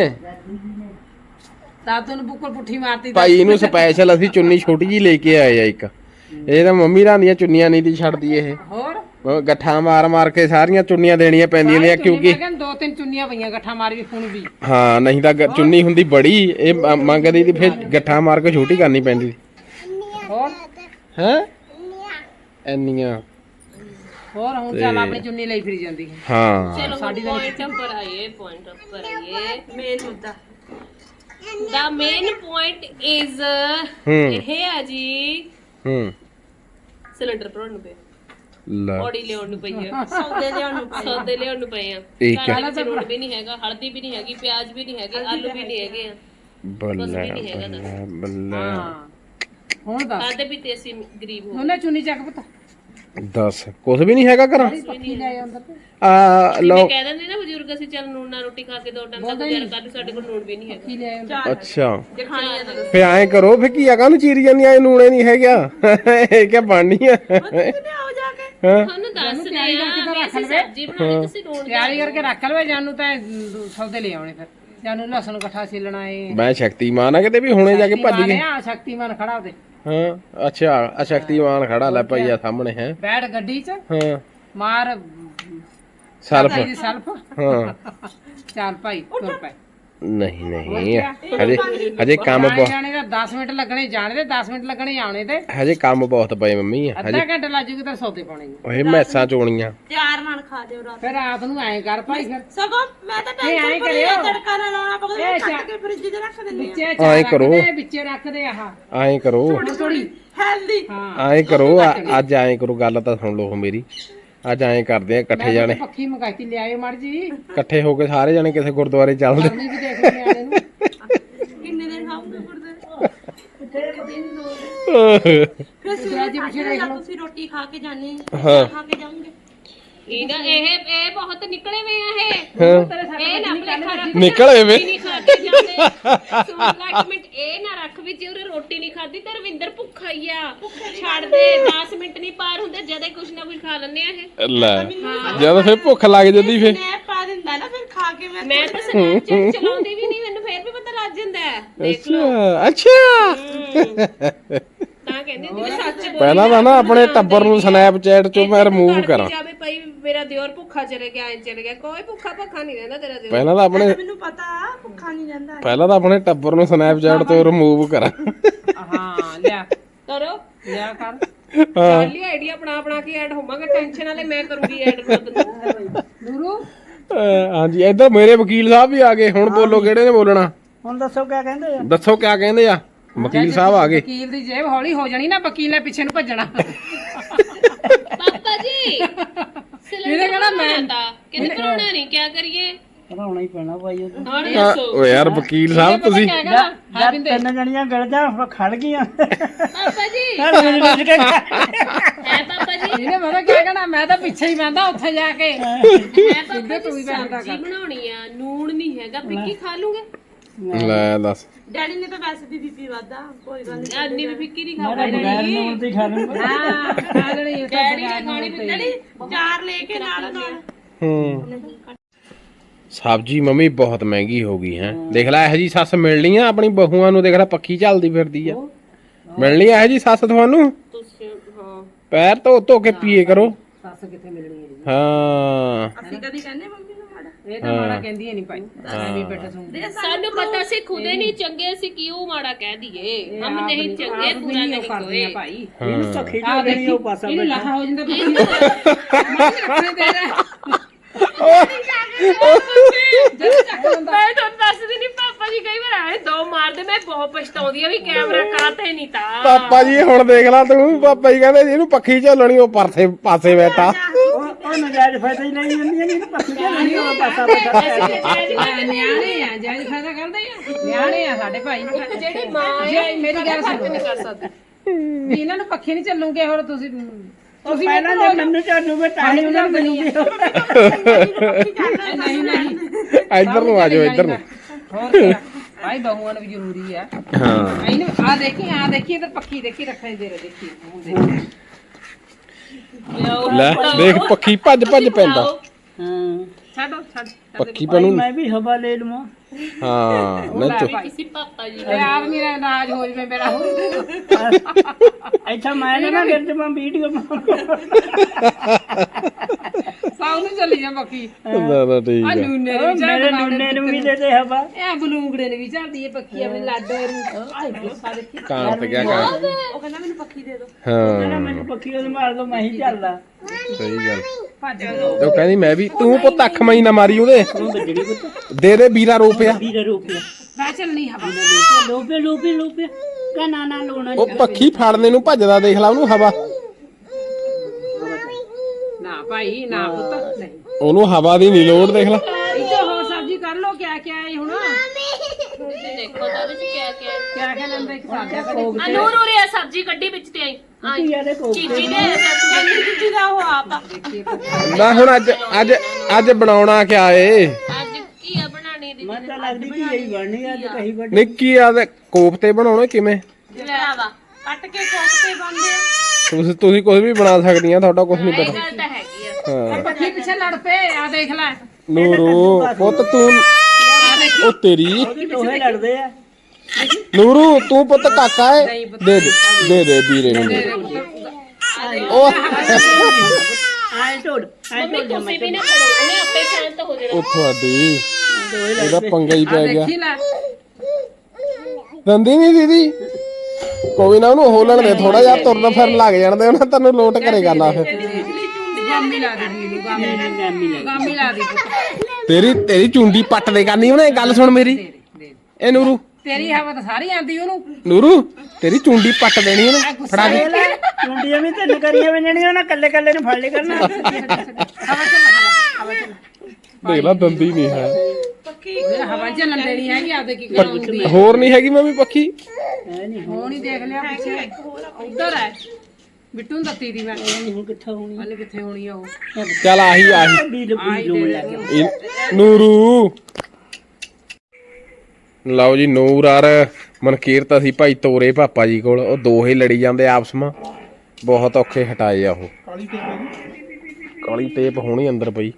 Speaker 3: ਦਾਦੂ ਨੂੰ ਬੁੱਕਲ ਪੁੱਠੀ ਮਾਰਤੀ
Speaker 2: ਭਾਈ ਇਹਨੂੰ ਸਪੈਸ਼ਲ ਅਸੀਂ ਚੁੰਨੀ ਛੋਟੀ ਜੀ ਲੈ ਕੇ ਆਏ ਆ ਇੱਕ ਇਹ ਤਾਂ ਮੰਮੀ ਰਾਂ ਦੀਆਂ ਚੁੰਨੀਆਂ ਨਹੀਂ ਦੀ ਛੱਡਦੀ ਇਹ
Speaker 3: ਹੋਰ
Speaker 2: ਉਹ ਗੱਠਾਂ ਮਾਰ ਮਾਰ ਕੇ ਸਾਰੀਆਂ ਚੁੰਨੀਆਂ ਦੇਣੀਆਂ ਪੈਂਦੀਆਂ ਨੇ ਕਿਉਂਕਿ
Speaker 3: ਮੈਂ ਕਹਿੰਦਾ ਦੋ ਤਿੰਨ ਚੁੰਨੀਆਂ ਪਈਆਂ ਗੱਠਾ ਮਾਰੀ ਹੁਣ ਵੀ
Speaker 2: ਹਾਂ ਨਹੀਂ ਤਾਂ ਗ- ਚੁੰਨੀ ਹੁੰਦੀ ਬੜੀ ਇਹ ਮ- ਮੰਗਦੀ ਦੀ ਫਿਰ ਗੱਠਾਂ ਮਾਰ ਕੇ ਛੋਟੀ ਕਰਨੀ ਪੈਂਦੀ
Speaker 3: ਹੋਰ
Speaker 2: ਹੈ ਇੰਨੀਆਂ
Speaker 3: ਹੋਰ ਹੁਣ ਚੱਲ ਆਪਣੀ ਚੁੰਨੀ ਲਈ ਫਿਰੀ ਜਾਂਦੀ ਹੈ
Speaker 2: ਹਾਂ
Speaker 4: ਚਲੋ ਸਾਡੀ ਪੁਆਇੰਟ ਉੱਪਰ ਆਈਏ ਪੁਆਇੰਟ ਉੱਪਰ ਆਈਏ ਮੇਨ ਮੁੱਦਾ ਦਾ ਮੇਨ ਪੁਆਇੰਟ ਇਜ਼
Speaker 2: ਹੂੰ
Speaker 4: ਇਹ ਆ ਜੀ
Speaker 2: ਹੂੰ
Speaker 4: ਸਿਲੰਡਰ ਭਰਾਉਣ ਨੂੰ ਪਿਆ
Speaker 2: ਲੈ
Speaker 4: ਔੜੀ ਲਿਆਉਣ ਨੂੰ ਪਈ ਆ ਸੌਦੇ ਲਿਆਉਣ ਨੂੰ ਸੌਦੇ ਲਿਆਉਣ ਨੂੰ ਪਏ ਆ
Speaker 2: ਠੀਕ ਹੈ।
Speaker 4: ਘਰ ਵਿੱਚ ਲੂਣ ਵੀ ਨਹੀਂ ਹੈਗਾ ਹਲਦੀ ਵੀ ਨਹੀਂ ਹੈਗੀ ਪਿਆਜ਼ ਵੀ ਨਹੀਂ ਹੈਗੇ ਆਲੂ ਵੀ ਨਹੀਂ ਹੈਗੇ ਆ
Speaker 2: ਬੱਲੇ
Speaker 4: ਨਹੀਂ ਹੈਗਾ
Speaker 2: ਬੱਲੇ ਬੱਲੇ
Speaker 3: ਹਾਂ ਹੁਣ ਦੱਸ
Speaker 4: ਖਾਦੇ ਵੀ ਤੇ ਅਸੀਂ ਗਰੀਬ ਹੋ
Speaker 3: ਉਹਨੇ ਚੁੰਨੀ ਚੱਕ ਪਤਾ
Speaker 2: ਦੱਸ ਕੁਝ ਵੀ ਨਹੀਂ ਹੈਗਾ ਘਰਾਂ
Speaker 3: ਪੱਕੀ ਲੈ ਅੰਦਰ ਤੇ
Speaker 2: ਆ ਲੋ
Speaker 4: ਜਿਵੇਂ ਕਹਿ ਦਿੰਦੇ ਨਾ ਬਜ਼ੁਰਗ ਅਸੀਂ ਚੱਲ ਨੂਣ ਨਾਲ ਰੋਟੀ ਖਾ ਕੇ ਦੋ ਟਾਈਮ ਤੱਕ ਗੁਜ਼ਾਰਾ ਕਰ ਲੂ ਸਾਡੇ ਕੋਲ ਨੂਣ ਵੀ ਨਹੀਂ ਹੈਗਾ
Speaker 3: ਕੀ ਲੈ ਆਉਂਦਾ
Speaker 2: ਅੱਛਾ
Speaker 4: ਜੇ ਖਾਣੀ ਆ ਤਾਂ
Speaker 2: ਫੇ ਐਂ ਕਰੋ ਫੇ ਕੀ ਆ ਕਾਹਨੂੰ ਚੀਰੀ ਜਾਂਦੀਆਂ ਇਹ ਨੂਣੇ ਨਹੀਂ ਹੈਗਾ ਇਹ ਕੀ ਬਣਨੀ ਆ ਹਾਂ
Speaker 4: ਤੁਹਾਨੂੰ ਦੱਸਦੇ ਆ ਵੀ ਅਸੀਂ ਸਬਜ਼ੀ ਬਣਾਉਣੀ ਤੁਸੀਂ ਨੂਣ
Speaker 3: ਤਿਆਰੀ ਕਰਕੇ ਰੱਖ ਲਵੇ ਜਾਨੂੰ ਤਾਂ ਸੌਦੇ ਲੈ ਆਉਣੇ ਫਿਰ ਜਾਨੂੰ ਲਸਣ ਇਕੱਠਾ ਛਿੱਲਣਾ ਏ
Speaker 2: ਮੈਂ ਸ਼ਕਤੀਮਾਨ ਆ ਕਿਤੇ ਵੀ ਹੁਣੇ ਜਾ ਕੇ ਭੱਜ ਗਏ
Speaker 3: ਆ ਸ਼ਕਤੀਮਾਨ ਖੜਾ ਉਹਦੇ
Speaker 2: ਹਾਂ ਅੱਛਾ ਆ ਸ਼ਕਤੀਮਾਨ ਖੜਾ ਲੈ ਭਾਈ ਆ ਸਾਹਮਣੇ ਹੈ
Speaker 3: ਬੈਠ ਗੱਡੀ 'ਚ
Speaker 2: ਹਾਂ
Speaker 3: ਮਾਰ
Speaker 2: ਸਲਫ
Speaker 3: ਭਾਈ ਦੀ ਸਲਫ
Speaker 2: ਹਾਂ
Speaker 3: ਚੱਲ ਭਾਈ ਤੁਰ ਪੈ
Speaker 2: ਨਹੀਂ ਨਹੀਂ ਹਜੇ ਹਜੇ ਕੰਮ ਬਹੁਤ
Speaker 3: ਜਾਣੇ ਦਾ ਦਸ ਮਿੰਟ ਲੱਗਣੇ ਜਾਣੇ ਦੇ ਦਸ ਮਿੰਟ ਲੱਗਣੇ ਆਉਣੇ ਤੇ
Speaker 2: ਹਜੇ ਕੰਮ ਬਹੁਤ ਪਏ ਮੰਮੀ ਹਜੇ
Speaker 3: ਅੱਧਾ ਘੰਟਾ ਲੱਗ ਜੂਗਾ ਤਾਂ ਸੌਦੇ ਪਾਉਣੇ ਨੇ
Speaker 2: ਓਏ ਮੈਸਾਂ ਚੋਣੀਆਂ
Speaker 5: ਚਾਰ ਨਾਲ ਖਾ ਦਿਓ ਰਾਤ
Speaker 3: ਫਿਰ ਰਾਤ ਨੂੰ ਐਂ ਕਰ ਭਾਈ ਫਿਰ
Speaker 5: ਸਗੋਂ ਮੈਂ ਤਾਂ
Speaker 3: ਇਹ ਐਂ
Speaker 5: ਟੈਨਸ਼ਨ ਪਈ
Speaker 3: ਕਰਿਓ
Speaker 5: ਤੜਕਾ ਨਾ ਲਾਉਣਾ ਪਵੇ
Speaker 3: ਇਹ
Speaker 5: ਕੱਟ ਕੇ ਫ੍ਰਿਜ 'ਚ ਰੱਖ ਦਿੰਦੇ
Speaker 3: ਵਿੱਚੇ
Speaker 2: ਐਂ
Speaker 3: ਚਾਰ
Speaker 2: ਕਰੋ।
Speaker 3: ਰੱਖਦੇ ਵਿੱਚੇ ਰੱਖਦੇ ਆਹ
Speaker 2: ਐਂ ਕਰੋ
Speaker 3: ਥੋੜੀ
Speaker 5: ਹੈਲਦੀ
Speaker 3: ਹਾਂ
Speaker 2: ਐਂ ਕਰੋ ਆ- ਅੱਜ ਐਂ ਕਰੋ ਗੱਲ ਤਾਂ ਸੁਣ ਲਓ ਮੇਰੀ ਅੱਜ ਐਂ ਕਰਦੇ ਆ ਇਕੱਠੇ ਜਾਣੇ
Speaker 3: ਪੱਖੀ ਮੰਗਾਈ ਲੈ ਆਇਓ ਮੜ ਜੀ
Speaker 2: ਇਕੱਠੇ ਹੋ ਕੇ ਸਾਰੇ ਜਾਣੇ ਕਿਸੇ ਗੁਰਦੁਆਰੇ ਚੱਲਦੇ
Speaker 3: ਨਹੀਂ ਵੀ ਦੇਖ ਲੈਣੇ ਆਣੇ ਨੂੰ
Speaker 5: ਕਿੰਨੇ ਦਿਨ ਖਾਓਗੇ ਗੁਰਦੇ ਫਿਰ ਸਵੇਰੇ
Speaker 3: ਅੱਜ ਪਿੱਛੇ ਦੇਖ ਲਓ
Speaker 5: ਤੁਸੀਂ ਰੋਟੀ ਖਾ ਕੇ ਜਾਣੇ
Speaker 2: ਹਾਂ।
Speaker 5: ਖਾ ਕੇ ਜਾਓਗੇ
Speaker 4: ਇਹ ਨਾ ਇਹ ਇਹ ਬਹੁਤ ਨਿਕਲੇ ਹੋਏ ਆ ਇਹ ਇਹ ਨਾ ਭਲੇਖਾ ਰੱਖ
Speaker 2: ਨਿਕਲੇ ਵੇ
Speaker 4: ਨਹੀਂ ਖਾ ਕੇ ਜਾਂਦੇ ਸੁਣ ਲੈ ਇੱਕ ਮਿੰਟ ਇਹ ਨਾ ਰੱਖ ਵੀ ਜੇ ਉਹਨੇ ਰੋਟੀ ਨਹੀਂ ਖਾਧੀ ਤੇ ਰਵਿੰਦਰ ਭੁੱਖਾ ਹੀ ਆ ਛੱਡ ਦੇ ਦਸ ਮਿੰਟ ਨਹੀਂ ਪਾਰ ਹੁੰਦੇ ਜਦੇ ਕੁਛ ਨਾ ਕੁਛ ਖਾ ਲੈਂਦੇ ਆ ਇਹ
Speaker 2: ਲੈ ਜਦੋਂ ਫੇਰ ਭੁੱਖ ਲੱਗ ਜਾਂਦੀ ਫੇਰ
Speaker 5: ਮੈਂ ਪਾ ਦਿੰਦਾ ਨਾ ਫਿਰ ਖਾ ਕੇ ਮੈਂ
Speaker 4: ਮੈਂ ਤਾਂ ਸਨੈਪਚੈਟ ਚਲਾਉਂਦੀ ਵੀ ਨਹੀਂ ਮੈਨੂੰ ਫੇਰ ਵੀ ਪਤਾ ਲੱਗ ਜਾਂਦਾ ਹੈ ਦੇਖ ਲਓ
Speaker 2: ਅੱਛਾ ਅੱਛਾ
Speaker 4: ਤਾਂ ਕਹਿੰਦੇ ਹੁੰਦੇ ਨੇ ਸੱਚ ਬੋਲ
Speaker 2: ਪਹਿਲਾਂ ਤਾਂ ਨਾ ਆਪਣੇ ਟੱਬਰ ਨੂੰ ਸਨੈਪਚੈਟ ਚੋਂ ਮੈਂ ਰਿਮੂਵ ਕਰਾਂ
Speaker 4: ਜਾਵੇ ਭਾਈ ਮੇਰਾ ਦਿਓਰ ਭੁੱਖਾ ਚਲੇ ਗਿਆ ਐ ਚਲੇ ਗਿਆ ਕੋਈ ਭੁੱਖਾ ਭੱਖਾ ਨਹੀਂ ਰਹਿੰਦਾ ਤੇਰਾ ਦਿਓਰ
Speaker 2: ਪਹਿਲਾਂ ਤਾਂ ਆਪਣੇ
Speaker 5: ਮੈਨੂੰ ਪਤਾ ਭੁੱਖਾ ਨਹੀਂ ਜਾਂਦਾ
Speaker 2: ਪਹਿਲਾਂ ਤਾਂ ਆਪਣੇ ਟੱਬਰ ਨੂੰ ਸਨੈਪਚੈਟ ਤੋਂ ਰਿਮੂਵ ਕਰਾਂ
Speaker 3: ਹਾਂ ਲਿਆ
Speaker 4: ਕਰੋ
Speaker 3: ਲਿਆ ਕਰ
Speaker 4: ਚੱਲੀ ਆਈਡੀਆ ਬਣਾ ਬਣਾ ਕੇ ਐਡ ਹੋਵਾਂਗੇ ਟੈਨਸ਼ਨ ਵਾਲੇ ਮੈਂ ਕਰੂੰਗੀ ਐਡ ਰੋਦ ਨੂੰ
Speaker 3: ਨੂਰੂ
Speaker 2: ਅਹ ਹਾਂਜੀ ਇੱਧਰ ਮੇਰੇ ਵਕੀਲ ਸਾਹਿਬ ਵੀ ਆ ਗਏ ਹੁਣ ਬੋਲੋ ਕਿਹੜੇ ਨੇ ਬੋਲਣਾ
Speaker 1: ਹੁਣ ਦੱਸੋ ਕਿਆ ਕਹਿੰਦੇ ਆ
Speaker 2: ਦੱਸੋ ਕਿਆ ਕਹਿੰਦੇ ਆ ਵਕੀਲ ਸਾਹਿਬ ਆ ਗਏ
Speaker 3: ਵਕੀਲ ਦੀ ਜੇਬ ਹੌਲੀ ਹੋ ਜਾਣੀ ਨਾ ਵਕੀਲ ਨੇ ਪਿੱਛੇ ਨੂੰ ਭੱਜਣਾ
Speaker 4: ਪਾਪਾ ਜੀ ਸਿਲੰਡਰ
Speaker 3: ਕਹਿਣਾ ਮੈਂ-
Speaker 4: ਮੈਂ ਕਿਤੇ ਭਰਾਉਣਾ ਨਹੀਂ ਕੀ ਕਰੀਏ
Speaker 1: ਬਣਾਉਣਾ ਹੀ ਪੈਣਾ ਭਾਈ ਉਹ
Speaker 4: ਹੁਣ
Speaker 2: ਹਾਂ,
Speaker 4: ਦੱਸੋ
Speaker 2: ਓ ਯਾਰ ਵਕੀਲ ਸਾਹਿਬ ਤੁਸੀਂ
Speaker 3: ਕਿਆ ਕਹਿਣਾ ਹਾਂ
Speaker 1: ਜਦ ਤਿੰਨ ਜਣੀਆਂ ਗੜ ਜਾ ਫਿਰ ਖੜ ਗਈਆਂ
Speaker 4: ਪਾਪਾ ਜੀ
Speaker 1: ਰੁੱਝ ਰੁੱਝ ਕੇ
Speaker 4: ਹੈ ਪਾਪਾ ਜੀ
Speaker 3: ਇਹਨੇ ਪਤਾ ਕਿਆ ਕਹਿਣਾ ਮੈਂ ਤਾਂ ਪਿੱਛੇ ਹੀ ਬੈਂਦਾ ਉੱਥੇ ਜਾ ਕੇ
Speaker 4: ਹੈ ਪਾਪਾ
Speaker 3: ਤੂੰ
Speaker 4: ਜੀ
Speaker 3: ਹੀ ਬੈਠਦਾ
Speaker 4: ਸਬਜ਼ੀ ਬਣਾਉਣੀ ਆ ਨੂਣ ਨਹੀਂ ਹੈਗਾ ਪਿੱਕੀ ਖਾ ਲੂਗੇ
Speaker 2: ਲੈ ਦੱਸ
Speaker 5: ਡੈਡੀ ਨੇ ਤਾਂ ਵੈਸੇ ਵੀ ਬੀਪੀ ਵਾਦਾ ਕੋਈ ਗੱਲ ਨਹੀਂ
Speaker 4: ਅੰਨੀ ਵੀ ਫਿੱਕੀ ਨਹੀਂ
Speaker 1: ਮੈਂ
Speaker 4: ਖਾਉਂਦਾ
Speaker 1: ਬਗੈਰ ਨੂਣ ਦੀ ਖਾ ਲੂੰਗਾ
Speaker 3: ਹਾਂ ਖਾ ਲੈਣੀ ਉਹ ਤਾਂ
Speaker 4: ਡੈਡੀ ਨੇ ਖਾਣੀ ਵੀ ਡੈਡੀ
Speaker 5: ਚਾਰ ਲੈ ਕੇ ਨਾਲ ਨਾਲ
Speaker 2: ਹੂੰ ਸਬਜ਼ੀ ਮੰਮੀ ਬਹੁਤ ਮਹਿੰਗੀ ਹੋ ਗਈ ਹੈ ਦੇਖ ਲੈ ਇਹੋ ਜੀ ਸੱਸ ਮਿਲਣੀ ਆ ਆਪਣੀ ਬਹੂਆਂ ਨੂੰ ਦੇਖ ਲੈ ਪੱਖੀ ਚੱਲਦੀ ਫਿਰਦੀ ਆ ਮਿਲਣੀ ਆ ਇਹੋ ਜੀ ਸੱਸ ਤੁਹਾਨੂੰ
Speaker 4: ਤੁਸੀਂ ਹਾਂ
Speaker 2: ਪੈਰ ਧੋ ਧੋ ਕੇ ਪੀਏ ਕਰੋ
Speaker 3: ਸੱਸ ਕਿੱਥੇ ਮਿਲਣੀ ਹੈ
Speaker 2: ਹਾਂ
Speaker 5: ਅਸੀਂ ਕਦੀ ਕਹਿੰਦੇ ਮੰਮੀ ਨੂੰ ਮਾੜਾ
Speaker 3: ਇਹ ਤਾਂ ਮਾੜਾ ਕਹਿੰਦੀ ਨਹੀਂ ਭਾਈ ਐਵੇਂ ਬੈਠਾ ਸੁਣ
Speaker 4: ਸਾਨੂੰ ਪਤਾ ਸੀ ਖੁਦੇ ਨਹੀਂ ਚੰਗੇ ਸੀ ਕਿਉਂ ਮਾੜਾ ਕਹਿ ਦਈਏ ਹਮ ਨਹੀਂ ਚੰਗੇ ਪੂਰਾ ਨਹੀਂ ਕੋਏ
Speaker 3: ਭਾਈ
Speaker 1: ਇਹਨੂੰ ਤਾਂ ਖੀਚੋ ਦੇਣੀ ਉਹ ਪਾਸਾ
Speaker 3: ਇਹਨੂੰ
Speaker 1: ਬੈਠਾ
Speaker 3: ਲਹਾ ਹੋ ਜਾਂਦਾ ਪੱਕੀ ਨੂੰ ਰੱਖਣੇ ਦੇ ਰਿਹਾ
Speaker 4: ਮੈਂ ਤੁਹਾਨੂੰ ਦੱਸਦੀ ਨਹੀਂ ਪਾਪਾ ਜੀ ਕਈ ਵਾਰ ਆਏ ਦੋ ਮਾਰਦੇ ਮੈਂ ਇਹ ਬਹੁਤ ਪਛਤਾਉਂਦੀ ਆ ਵੀ ਕੈਮਰਾ ਕਾਤੇ ਨਹੀਂ ਤਾਂ
Speaker 2: ਪਾਪਾ ਜੀ ਹੁਣ ਦੇਖ ਲਾ ਤੂੰ ਪਾਪਾ ਜੀ ਕਹਿੰਦੇ ਜਿਹਨੂੰ ਪੱਖੀ ਝੱਲਣੀ ਉਹ ਪਰਸੇ ਪਾਸੇ ਬੈਠਾ
Speaker 1: ਉਹ ਉਹ ਨਜਾਇਜ਼ ਫਾਇਦਾ ਹੀ ਲਈ ਜਾਂਦੀਆਂ ਨਹੀਂ ਪੱਕੀ ਨਹੀਂ ਉਹ ਪਾਸਾ ਬੈਠਾ
Speaker 3: ਨਿਆਣੇ ਆ ਜਾਇਜ਼ ਫਾਇਦਾ ਕਰਦੇ ਆ ਨਿਆਣੇ ਆ ਸਾਡੇ ਭਾਈ
Speaker 4: ਜਿਹੜੀ ਮਾਂ
Speaker 3: ਜੇ ਮੇਰੀ ਗੱਲ
Speaker 4: ਫਰਕ
Speaker 3: ਸੁਣੋ
Speaker 4: ਨਹੀਂ ਕਰ ਸਕਦੀ
Speaker 3: ਵੀ ਇਹਨਾਂ ਨੂੰ ਪੱਖੇ ਨਹੀਂ ਚੱਲੂਗੇ ਹੋਰ ਤੁਸੀਂ ਤੁਸੀਂ
Speaker 1: ਪਹਿਲਾਂ ਜੇ ਮੈਨੂੰ ਚਾਹਨੂੰ ਮੈਂ ਤਾਂ ਹੀ ਉਹਨਾਂ ਨੂੰ ਮਿਲੂਗੀ
Speaker 3: ਨਹੀਂ ਨਹੀਂ
Speaker 2: ਇੱਧਰ ਨੂੰ ਆ ਜਾਓ ਇੱਧਰ ਨੂੰ
Speaker 3: ਹੋਰ ਕੀ ਭਾਈ ਬਹੂਆਂ ਨੂੰ ਵੀ ਜ਼ਰੂਰੀ ਆ
Speaker 2: ਹਾਂ
Speaker 3: ਇਹਨੂੰ ਆ ਦੇਖੀ ਆ ਦੇਖੀ ਇਧਰ ਪੱਖੀ ਦੇਖੀ ਰੱਖੇ ਦੇ ਰੇ ਦੇਖੀ ਮੂੰਹ ਦੇਖੀ
Speaker 2: ਲੈ ਦੇਖ ਪੱਖੀ ਭੱਜ ਭੱਜ ਪੈਂਦਾ
Speaker 1: ਹਾਂ
Speaker 3: ਛੱਡੋ ਛੱਡ
Speaker 2: ਪੱਖੀ ਪਨੂੰ
Speaker 1: ਮੈਂ ਵੀ ਹਵਾ ਲੈ ਲਵਾਂ
Speaker 2: ਹਾਂ ਨੱਚ
Speaker 4: ਕਿਸੇ ਪਾਪਾ ਜੀ
Speaker 3: ਤੇ ਆਪ ਮੇਰਾ ਨਾਰਾਜ਼ ਹੋ ਜਵੇ ਮੇਰਾ
Speaker 1: ਅੱਛਾ ਮੈਂ ਨਾ ਗਿਰ ਮੈਂ ਵੀਡੀਓ
Speaker 3: ਸਾਉ ਨੂੰ ਚੱਲੀ ਜਾ ਪੱਖੀ
Speaker 2: ਨਾ ਨਾ ਠੀਕ
Speaker 3: ਆ
Speaker 2: ਆ
Speaker 3: ਨੂਨੇ ਨੇ ਵੀ
Speaker 1: ਮੇਰੇ ਨੁੰਨੇ ਨੂੰ ਵੀ ਦੇ ਦੇ ਹਵਾ
Speaker 3: ਇਹ ਬਲੂੰਗੜੇ ਨੇ ਵੀ ਝਾੜਦੀ ਹੈ ਪੱਖੀ ਆਪਣੇ ਲਾਡੋ ਨੂੰ ਆਈ ਗੁੱਸਾ ਦੇਖੀ
Speaker 2: ਕਾਂ ਤੇ ਗਿਆ ਕਾਂ
Speaker 5: ਉਹ ਕਹਿੰਦਾ ਮੈਨੂੰ ਪੱਖੀ ਦੇ ਦਿਓ
Speaker 2: ਹਾਂ
Speaker 1: ਮੈਨੂੰ ਪੱਖੀ ਉਹ ਮਾਰ ਦੋ ਮੈਂ ਹੀ ਚੱਲਦਾ
Speaker 2: ਸਹੀ ਗੱਲ
Speaker 3: ਭੱਜ
Speaker 2: ਉਹ ਕਹਿੰਦੀ ਮੈਂ ਵੀ ਤੂੰ ਪੁੱਤ ਅੱਖ ਮਈ ਨਾ ਮਾਰੀ ਉਹਦੇ
Speaker 1: ਤੂੰ ਬੱਜੜੀ ਪੁੱਤ
Speaker 2: ਦੇ ਦੇ ਵੀਰਾ ਰੋਪਿਆ
Speaker 1: ਵੀਰੇ ਰੋਪਿਆ
Speaker 3: ਮੈਂ ਚੱਲਣੀ ਹਵਾ
Speaker 1: ਲੋਪੇ ਲੋਪੇ ਲੋਪੇ ਕਾ ਨਾ ਨਾ ਲੋਣਾ
Speaker 2: ਉਹ ਪੱਖੀ ਫੜਨੇ ਨੂੰ ਭੱਜਦਾ ਦੇਖ ਲਾ ਉਹਨੂੰ ਹਵਾ
Speaker 3: ਨਾ ਭਾਈ ਨਾ ਪੁੱਤ ਨਹੀਂ
Speaker 2: ਉਹਨੂੰ ਹਵਾ ਦੀ ਨਹੀਂ ਲੋੜ ਦੇਖ ਲਾ
Speaker 3: ਇੱਥੇ ਹੋਰ ਸਬਜ਼ੀ ਕਰ ਲੋ ਕਿਆ ਕਿਆ ਹੈ ਹੁਣ
Speaker 4: ਦੇਖੋ ਤਾਂ ਉਹਦੇ ਚ ਕਿਆ ਕਿਆ ਹੈ।
Speaker 3: ਕਿਆ ਕਿਆ ਲੈਂਦਾ ਇੱਕ ਸਾਡਾ ਕਦੇ
Speaker 4: ਆ ਨੂਰ ਉਰੇ ਆ ਸਬਜ਼ੀ ਕੱਢੀ ਵਿੱਚ ਤੇ ਆਈ ਆਈ
Speaker 1: ਯਾਰੇ ਕੋ
Speaker 4: ਚੀਚੀ ਨੇ ਸਬਜ਼ੀ
Speaker 5: ਚੀਚੀ ਦਾ ਉਹ ਆਪ ਆ
Speaker 2: ਨਾ ਹੁਣ ਅੱਜ ਅੱਜ ਅੱਜ ਬਣਾਉਣਾ ਕਿਆ ਏ
Speaker 4: ਅੱਜ ਕੀ ਆ ਬਣਾਣੀ ਦੀ
Speaker 1: ਮੈਂ ਤਾਂ ਲੱਗਦੀ ਕਿ ਇਹੀ ਬਣਨੀ ਅੱਜ ਕਹੀ ਵੱਡੀ
Speaker 2: ਨਿੱਕੀ ਆ ਤੇ ਕੋਫਤੇ ਬਣਾਉਣੇ ਕਿਵੇਂ
Speaker 4: ਲੈਵਾ
Speaker 5: ਕੱਟ ਕੇ ਕੋਫਤੇ ਬਣਦੇ ਆ
Speaker 2: ਤੁਸੀਂ ਤੁਸੀਂ ਕੁਝ ਵੀ ਬਣਾ ਸਕਦੀਆਂ ਤੁਹਾਡਾ ਕੁਝ ਨਹੀਂ
Speaker 4: ਇਹ
Speaker 2: ਪਤਾ
Speaker 4: ਗੱਲ ਤਾਂ ਹੈਗੀ ਆ
Speaker 2: ਹਾਂ
Speaker 3: ਪੱਖੀ ਪਿੱਛੇ ਲੜ ਪਏ ਆ ਦੇਖ ਲੈ
Speaker 2: ਨੂਰੂ ਪੁੱਤ ਤੂੰ ਉਹ ਤੇਰੀ
Speaker 1: ਉਹਦੀ ਦੋਹੇ ਲੜਦੇ ਆ
Speaker 2: ਨੂਰੂ ਤੂੰ ਪੁੱਤ ਕਾਕਾ ਏ ਦੇ ਦੇ ਦੇ ਦੇ ਵੀਰੇ ਨੂੰ ਦੇ। ਉਹ
Speaker 1: ਆਏ ਟੋੜ ਆਏ
Speaker 4: ਮੰਮੀ ਤੁਸੀਂ ਵੀ ਨਾ ਖੜੋ ਉਹਨੇ ਆਪੇ ਸ਼ਾਂਤ ਹੋ ਜਾਣਾ
Speaker 2: ਉਹ ਤੁਹਾਡੀ ਇਹਦਾ ਪੰਗਾ ਹੀ ਪੈ ਗਿਆ
Speaker 3: ਦੇਖੀ ਲੈ
Speaker 2: ਦੰਦੀ ਨਹੀਂ ਦੀਦੀ ਕੋਈ ਨਾ ਉਹਨੂੰ ਹੋਲਣ ਦੇ ਥੋੜਾ ਜਿਹਾ ਤੁਰਨ ਫਿਰਨ ਲੱਗ ਜਾਣਦੇ ਉਹਨਾਂ ਤੈਨੂੰ ਲੋਟ ਕਰੇਗਾ ਨਾ ਫਿਰ
Speaker 3: ਗਾਮੀ ਲਾ ਦੇ ਵੀਰੂ ਗਾਮੀ
Speaker 1: ਗਾਮੀ ਲੈ
Speaker 3: ਗਾਮੀ ਲਾ ਦੇ ਪੁੱਤ
Speaker 2: ਤੇਰੀ ਤੇਰੀ ਚੁੰਡੀ ਪੱਟ ਦੇ ਕਰਨੀ ਉਹਨੇ ਗੱਲ ਸੁਣ ਮੇਰੀ
Speaker 3: ਦੇ
Speaker 2: ਇਹ ਨੂਰੂ
Speaker 3: ਤੇਰੀ ਹਵਾ ਤਾਂ ਸਾਰੀ ਆਂਦੀ ਉਹਨੂੰ
Speaker 2: ਨੂਰੂ ਤੇਰੀ ਚੁੰਡੀ ਪੱਟ ਦੇਣੀ ਉਹਨੇ ਫੜਾ ਦੇ
Speaker 1: ਚੁੰਡੀਆਂ ਵੀ ਤਿੰਨ ਕਰੀਆਂ ਵੀ ਜਿਹੜੀਆਂ ਉਹਨਾਂ ਕੱਲੇ ਕੱਲੇ ਨੂੰ ਫੜ ਲੈ ਕਰਨਾ
Speaker 3: ਹਵਾ ਚੱਲ ਹਵਾ ਹਵਾ ਚੱਲ
Speaker 2: ਦੇਖ ਲਾ ਦੰਦੀ ਨਹੀਂ ਹੈ
Speaker 3: ਹਵਾ ਚੱਲਣ ਦੇਣੀ ਹੈਗੀ ਆਪਦੇ ਕੀ ਕਰਾਉਂਦੀ ਹੈ
Speaker 2: ਹੋਰ ਨਹੀਂ ਹੈਗੀ ਮੈਂ ਵੀ ਪੱਖੀ
Speaker 1: ਹੈ ਨਹੀਂ
Speaker 3: ਹੁਣ ਹੀ ਦੇਖ ਲਿਆ ਪਿੱਛੇ ਉਧਰ ਹੈ ਬਿੱਟੂ ਨੂੰ ਦਿੱਤੀ ਦੀ ਮੈਂ
Speaker 1: ਹੁਣ ਕਿੱਥੋਂ ਹੋਣੀ
Speaker 3: ਉਹਨੇ ਕਿੱਥੇ ਹੋਣੀ ਆ ਉਹ
Speaker 2: ਚੱਲ ਆਹੀ ਆਹੀ
Speaker 1: ਬੀਜ ਬੀਜ ਲੋੜ ਲੱਗ ਗਿਆ
Speaker 2: ਇਹ- ਨੂਰੂ ਲਓ ਜੀ ਨੂਰ ਆਰ ਮਨਕੀਰਤ ਅਸੀਂ ਭਾਈ ਤੋਰੇ ਪਾਪਾ ਜੀ ਕੋਲ ਉਹ ਦੋਹੇ ਲੜੀ ਜਾਂਦੇ ਆਪਸ ਵਿੱਚ ਬਹੁਤ ਔਖੇ ਹਟਾਏ ਆ ਉਹ ਕਾਲੀ ਟੇਪ ਹੋਣੀ ਅੰਦਰ ਪਈ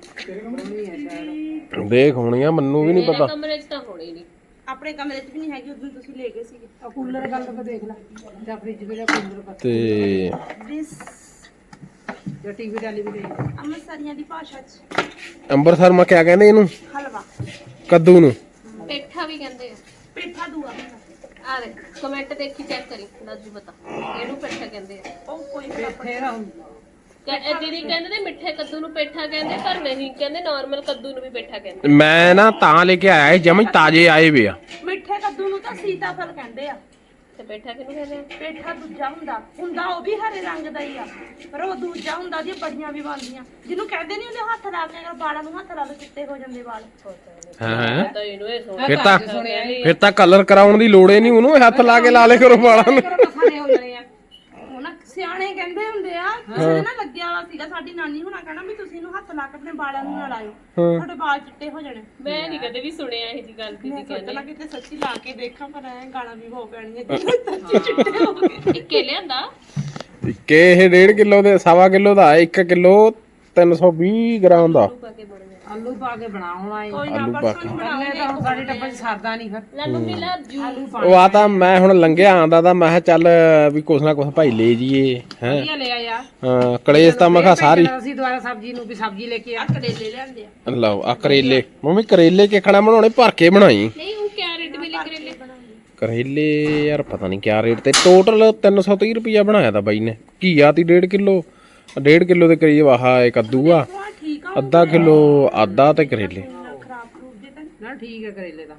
Speaker 2: ਦੇਖ ਹੋਣੀ ਆ ਮੈਨੂੰ ਵੀ ਨਹੀਂ ਪਤਾ
Speaker 4: ਕਮਰੇ 'ਚ ਤਾਂ ਹੋਣੀ ਨਹੀਂ
Speaker 5: ਆਪਣੇ ਕਮਰੇ 'ਚ ਵੀ ਨਹੀਂ ਹੈਗੀ ਉਦੋਂ ਤੁਸੀਂ ਲੈ ਗਏ ਸੀਗੇ
Speaker 3: ਆ ਕੂਲਰ ਗੱਲ ਤਾਂ ਦੇਖ ਲੈ ਜਾਂ ਫ੍ਰਿਜ ਵੀ ਜਾਂ ਕੂਲਰ ਪਰ
Speaker 2: ਤੇ
Speaker 5: ਦਿਸ
Speaker 3: ਜਾਂ ਟੀਵੀ ਡਾਲੀ ਵੀ ਦੇਖ
Speaker 5: ਅੰਮ੍ਰਿਤਸਰੀਆਂ ਦੀ ਭਾਸ਼ਾ 'ਚ
Speaker 2: ਅੰਮ੍ਰਿਤਸਰ ਮੈਂ ਕਿਆ ਕਹਿੰਦੇ ਇਹਨੂੰ
Speaker 5: ਹਲਵਾ
Speaker 2: ਕੱਦੂ ਨੂੰ
Speaker 4: ਪੇਠਾ ਵੀ ਕਹਿੰਦੇ ਆ
Speaker 5: ਪੇਠਾ ਦੂਆ
Speaker 4: ਆ ਦੇ ਕਮੈਂਟ ਦੇਖੀ ਚੈੱਕ ਕਰੀ ਨਾਜੂ ਬਤਾ ਇਹਨੂੰ ਪੇਠਾ ਕਹਿੰਦੇ ਆ
Speaker 5: ਉਹ ਕੋਈ
Speaker 3: ਫੇਰ ਹੁੰਦਾ
Speaker 4: ਕਿ- ਇਹ ਦੀਦੀ ਕਹਿੰਦੇ ਨੇ ਮਿੱਠੇ ਕੱਦੂ ਨੂੰ ਪੇਠਾ ਕਹਿੰਦੇ ਪਰ ਨਹੀਂ ਕਹਿੰਦੇ ਨਾਰਮਲ ਕੱਦੂ ਨੂੰ ਵੀ ਪੇਠਾ ਕਹਿੰਦੇ
Speaker 2: ਮੈਂ ਨਾ ਤਾਂ ਲੈ ਕੇ ਆਇਆ ਜਮਈ ਤਾਜ਼ੇ ਆਏ ਵੇ ਆ
Speaker 5: ਮਿੱਠੇ ਕੱਦੂ ਨੂੰ ਤਾਂ ਸੀਤਾਫਲ ਕਹਿੰਦੇ ਆ
Speaker 4: ਤੇ ਪੇਠਾ ਕਿਹਨੂੰ ਕਹਿੰਦੇ ਆ
Speaker 5: ਪੇਠਾ ਦੂਜਾ ਹੁੰਦਾ ਹੁੰਦਾ ਉਹ ਵੀ ਹਰੇ ਰੰਗ ਦਾ ਹੀ ਆ ਪਰ ਉਹ ਦੂਜਾ ਹੁੰਦਾ ਉਹਦੀਆਂ ਬੜੀਆਂ ਵੀ ਬਣਦੀਆਂ ਜਿਹਨੂੰ ਕਹਿੰਦੇ ਨਹੀਂ ਉਹਦੇ ਹੱਥ ਲਾ ਕੇ ਅਗਰ ਵਾਲਾਂ ਨੂੰ ਹੱਥ ਲਾ ਲਓ ਚਿੱਟੇ ਹੋ ਜਾਂਦੇ ਵਾਲ
Speaker 2: ਹਾਂ
Speaker 4: ਤਾਂ ਇਹਨੂੰ ਇਹ ਸੁਣ
Speaker 2: ਫਿਰ ਤਾਂ ਫਿਰ ਤਾਂ ਕਲਰ ਕਰਾਉਣ ਦੀ ਲੋੜ ਹੀ ਨਹੀਂ ਉਹਨੂੰ ਹੱਥ ਲਾ ਕੇ ਲਾ ਲੇ ਕਰੋ ਵਾਲਾਂ ਨੂੰ
Speaker 3: ਮਸਾਲੇ ਹੋ ਜਾਣੇ ਆ
Speaker 5: ਉਹ ਨਾ ਸਿਆਣੇ ਕਹਿੰਦੇ ਹੁੰਦੇ ਆ ਕਿਸੇ ਦੇ ਨਾ ਲੱਗਿਆ ਵਾ ਸੀਗਾ ਸਾਡੀ ਨਾਨੀ ਹੁਣਾ ਕਹਿਣਾ ਵੀ ਤੁਸੀਂ ਇਹਨੂੰ ਹੱਥ ਲਾ ਕੇ ਆਪਣੇ ਵਾਲਾਂ ਨੂੰ ਨਾ ਲਾਇਓ ਤੁਹਾਡੇ ਵਾਲ ਚਿੱਟੇ ਹੋ ਜਾਣੇ
Speaker 4: ਮੈਂ ਨਹੀਂ ਕਦੇ ਵੀ ਸੁਣਿਆ ਇਹ ਜੀ ਗੱਲ ਦੀਦੀ ਕਹਿੰਦੇ
Speaker 5: ਪਹਿਲਾਂ ਕਿਤੇ ਸੱਚੀ ਲਾ ਕੇ ਦੇਖਾਂ ਪਰ ਐ ਗਾਲਾਂ ਵੀ ਹੋ ਪੈਣੀਆਂ ਸੱਚੀ ਚਿੱਟੇ ਹੋ ਗਏ
Speaker 4: ਇੱਕੇ ਲਿਆਂਦਾ
Speaker 2: ਕਿ ਇਹ ਡੇਢ ਕਿਲੋ ਦੇ ਸਵਾ ਕਿਲੋ ਦਾ ਇੱਕ ਕਿਲੋ ਤਿੰਨ ਸੌ ਵੀਹ ਗ੍ਰਾਮ ਦਾ
Speaker 4: ਪਾ ਕੇ ਬਣ ਗਿਆ
Speaker 3: ਆਲੂ ਪਾ ਕੇ ਬਣਾਉਣਾ ਹੈ
Speaker 5: ਕੋਈ ਨਾ
Speaker 2: ਆਲੂ ਪਾ
Speaker 5: ਪਰਸੋਂ
Speaker 2: ਕੇ
Speaker 5: ਹੀ
Speaker 3: ਪਹਿਲੇ
Speaker 5: ਬਣਾਉਂਗੇ
Speaker 3: ਤਾਂ ਹੁਣ ਸਾਡੇ ਟੱਬਰ ਚ ਸਰਦਾ ਨਹੀਂ ਫਿਰ
Speaker 4: ਲੈ ਮੰਮੀ ਲਾ ਜੂ
Speaker 3: ਆਲੂ
Speaker 2: ਉਹ ਆ ਤਾਂ ਮੈਂ ਹੁਣ ਲੰਘਿਆ ਆਂਦਾ ਤਾਂ ਮੈਂ ਕਿਹਾ ਚੱਲ ਵੀ ਕੁਛ ਨਾ ਕੁਛ ਭਾਈ ਲੈ ਜੀਏ ਹੈ
Speaker 3: ਵਧੀਆ ਲੈ ਆਇਆ
Speaker 2: ਹਾਂ ਕਲੇਸ਼ ਤਾਂ ਮੈਂ ਕਿਹਾ ਸਾਰੀ
Speaker 3: ਅਸੀਂ ਦੁਬਾਰਾ ਸਬਜ਼ੀ ਨੂੰ ਵੀ ਸਬਜ਼ੀ ਲੈ ਕੇ ਆ
Speaker 5: ਕਰੇਲੇ ਲਿਆਂਦੇ ਆ
Speaker 2: ਲਓ ਆ ਕਰੇਲੇ ਮੰਮੀ ਕਰੇਲੇ ਕਿਖਣਾ ਬਣਾਉਣੇ ਭਰ ਕੇ ਬਣਾਈ
Speaker 4: ਨਹੀਂ ਉਹ ਕੈਰਟ ਵੀ ਲਿਖ ਰਹੇ
Speaker 2: ਕਰੇਲੇ ਯਾਰ ਪਤਾ ਨਹੀਂ ਕਿਆ ਰੇਟ ਤੇ ਟੋਟਲ ਤਿੰਨ ਸੌ ਤੀਹ ਰੁਪਈਆ ਬਣਾਇਆ ਤਾਂ ਬਾਈ ਨੇ ਘੀਆ ਤੀ ਡੇਢ ਕਿਲੋ ਡੇਢ ਕਿਲੋ ਦੇ ਕਰੀਬ ਆਹ ਇਹ ਕੱਦੂ ਆ
Speaker 5: ਠੀਕ ਆ
Speaker 2: ਅੱਧਾ ਕਿਲੋ ਆਦਾ ਤੇ ਕਰੇਲੇ
Speaker 5: ਖਰਾਬ ਖਰੂਬ ਜੇ ਤਾਂ
Speaker 3: ਨਾ ਠੀਕ ਹੈ ਕਰੇਲੇ ਦਾ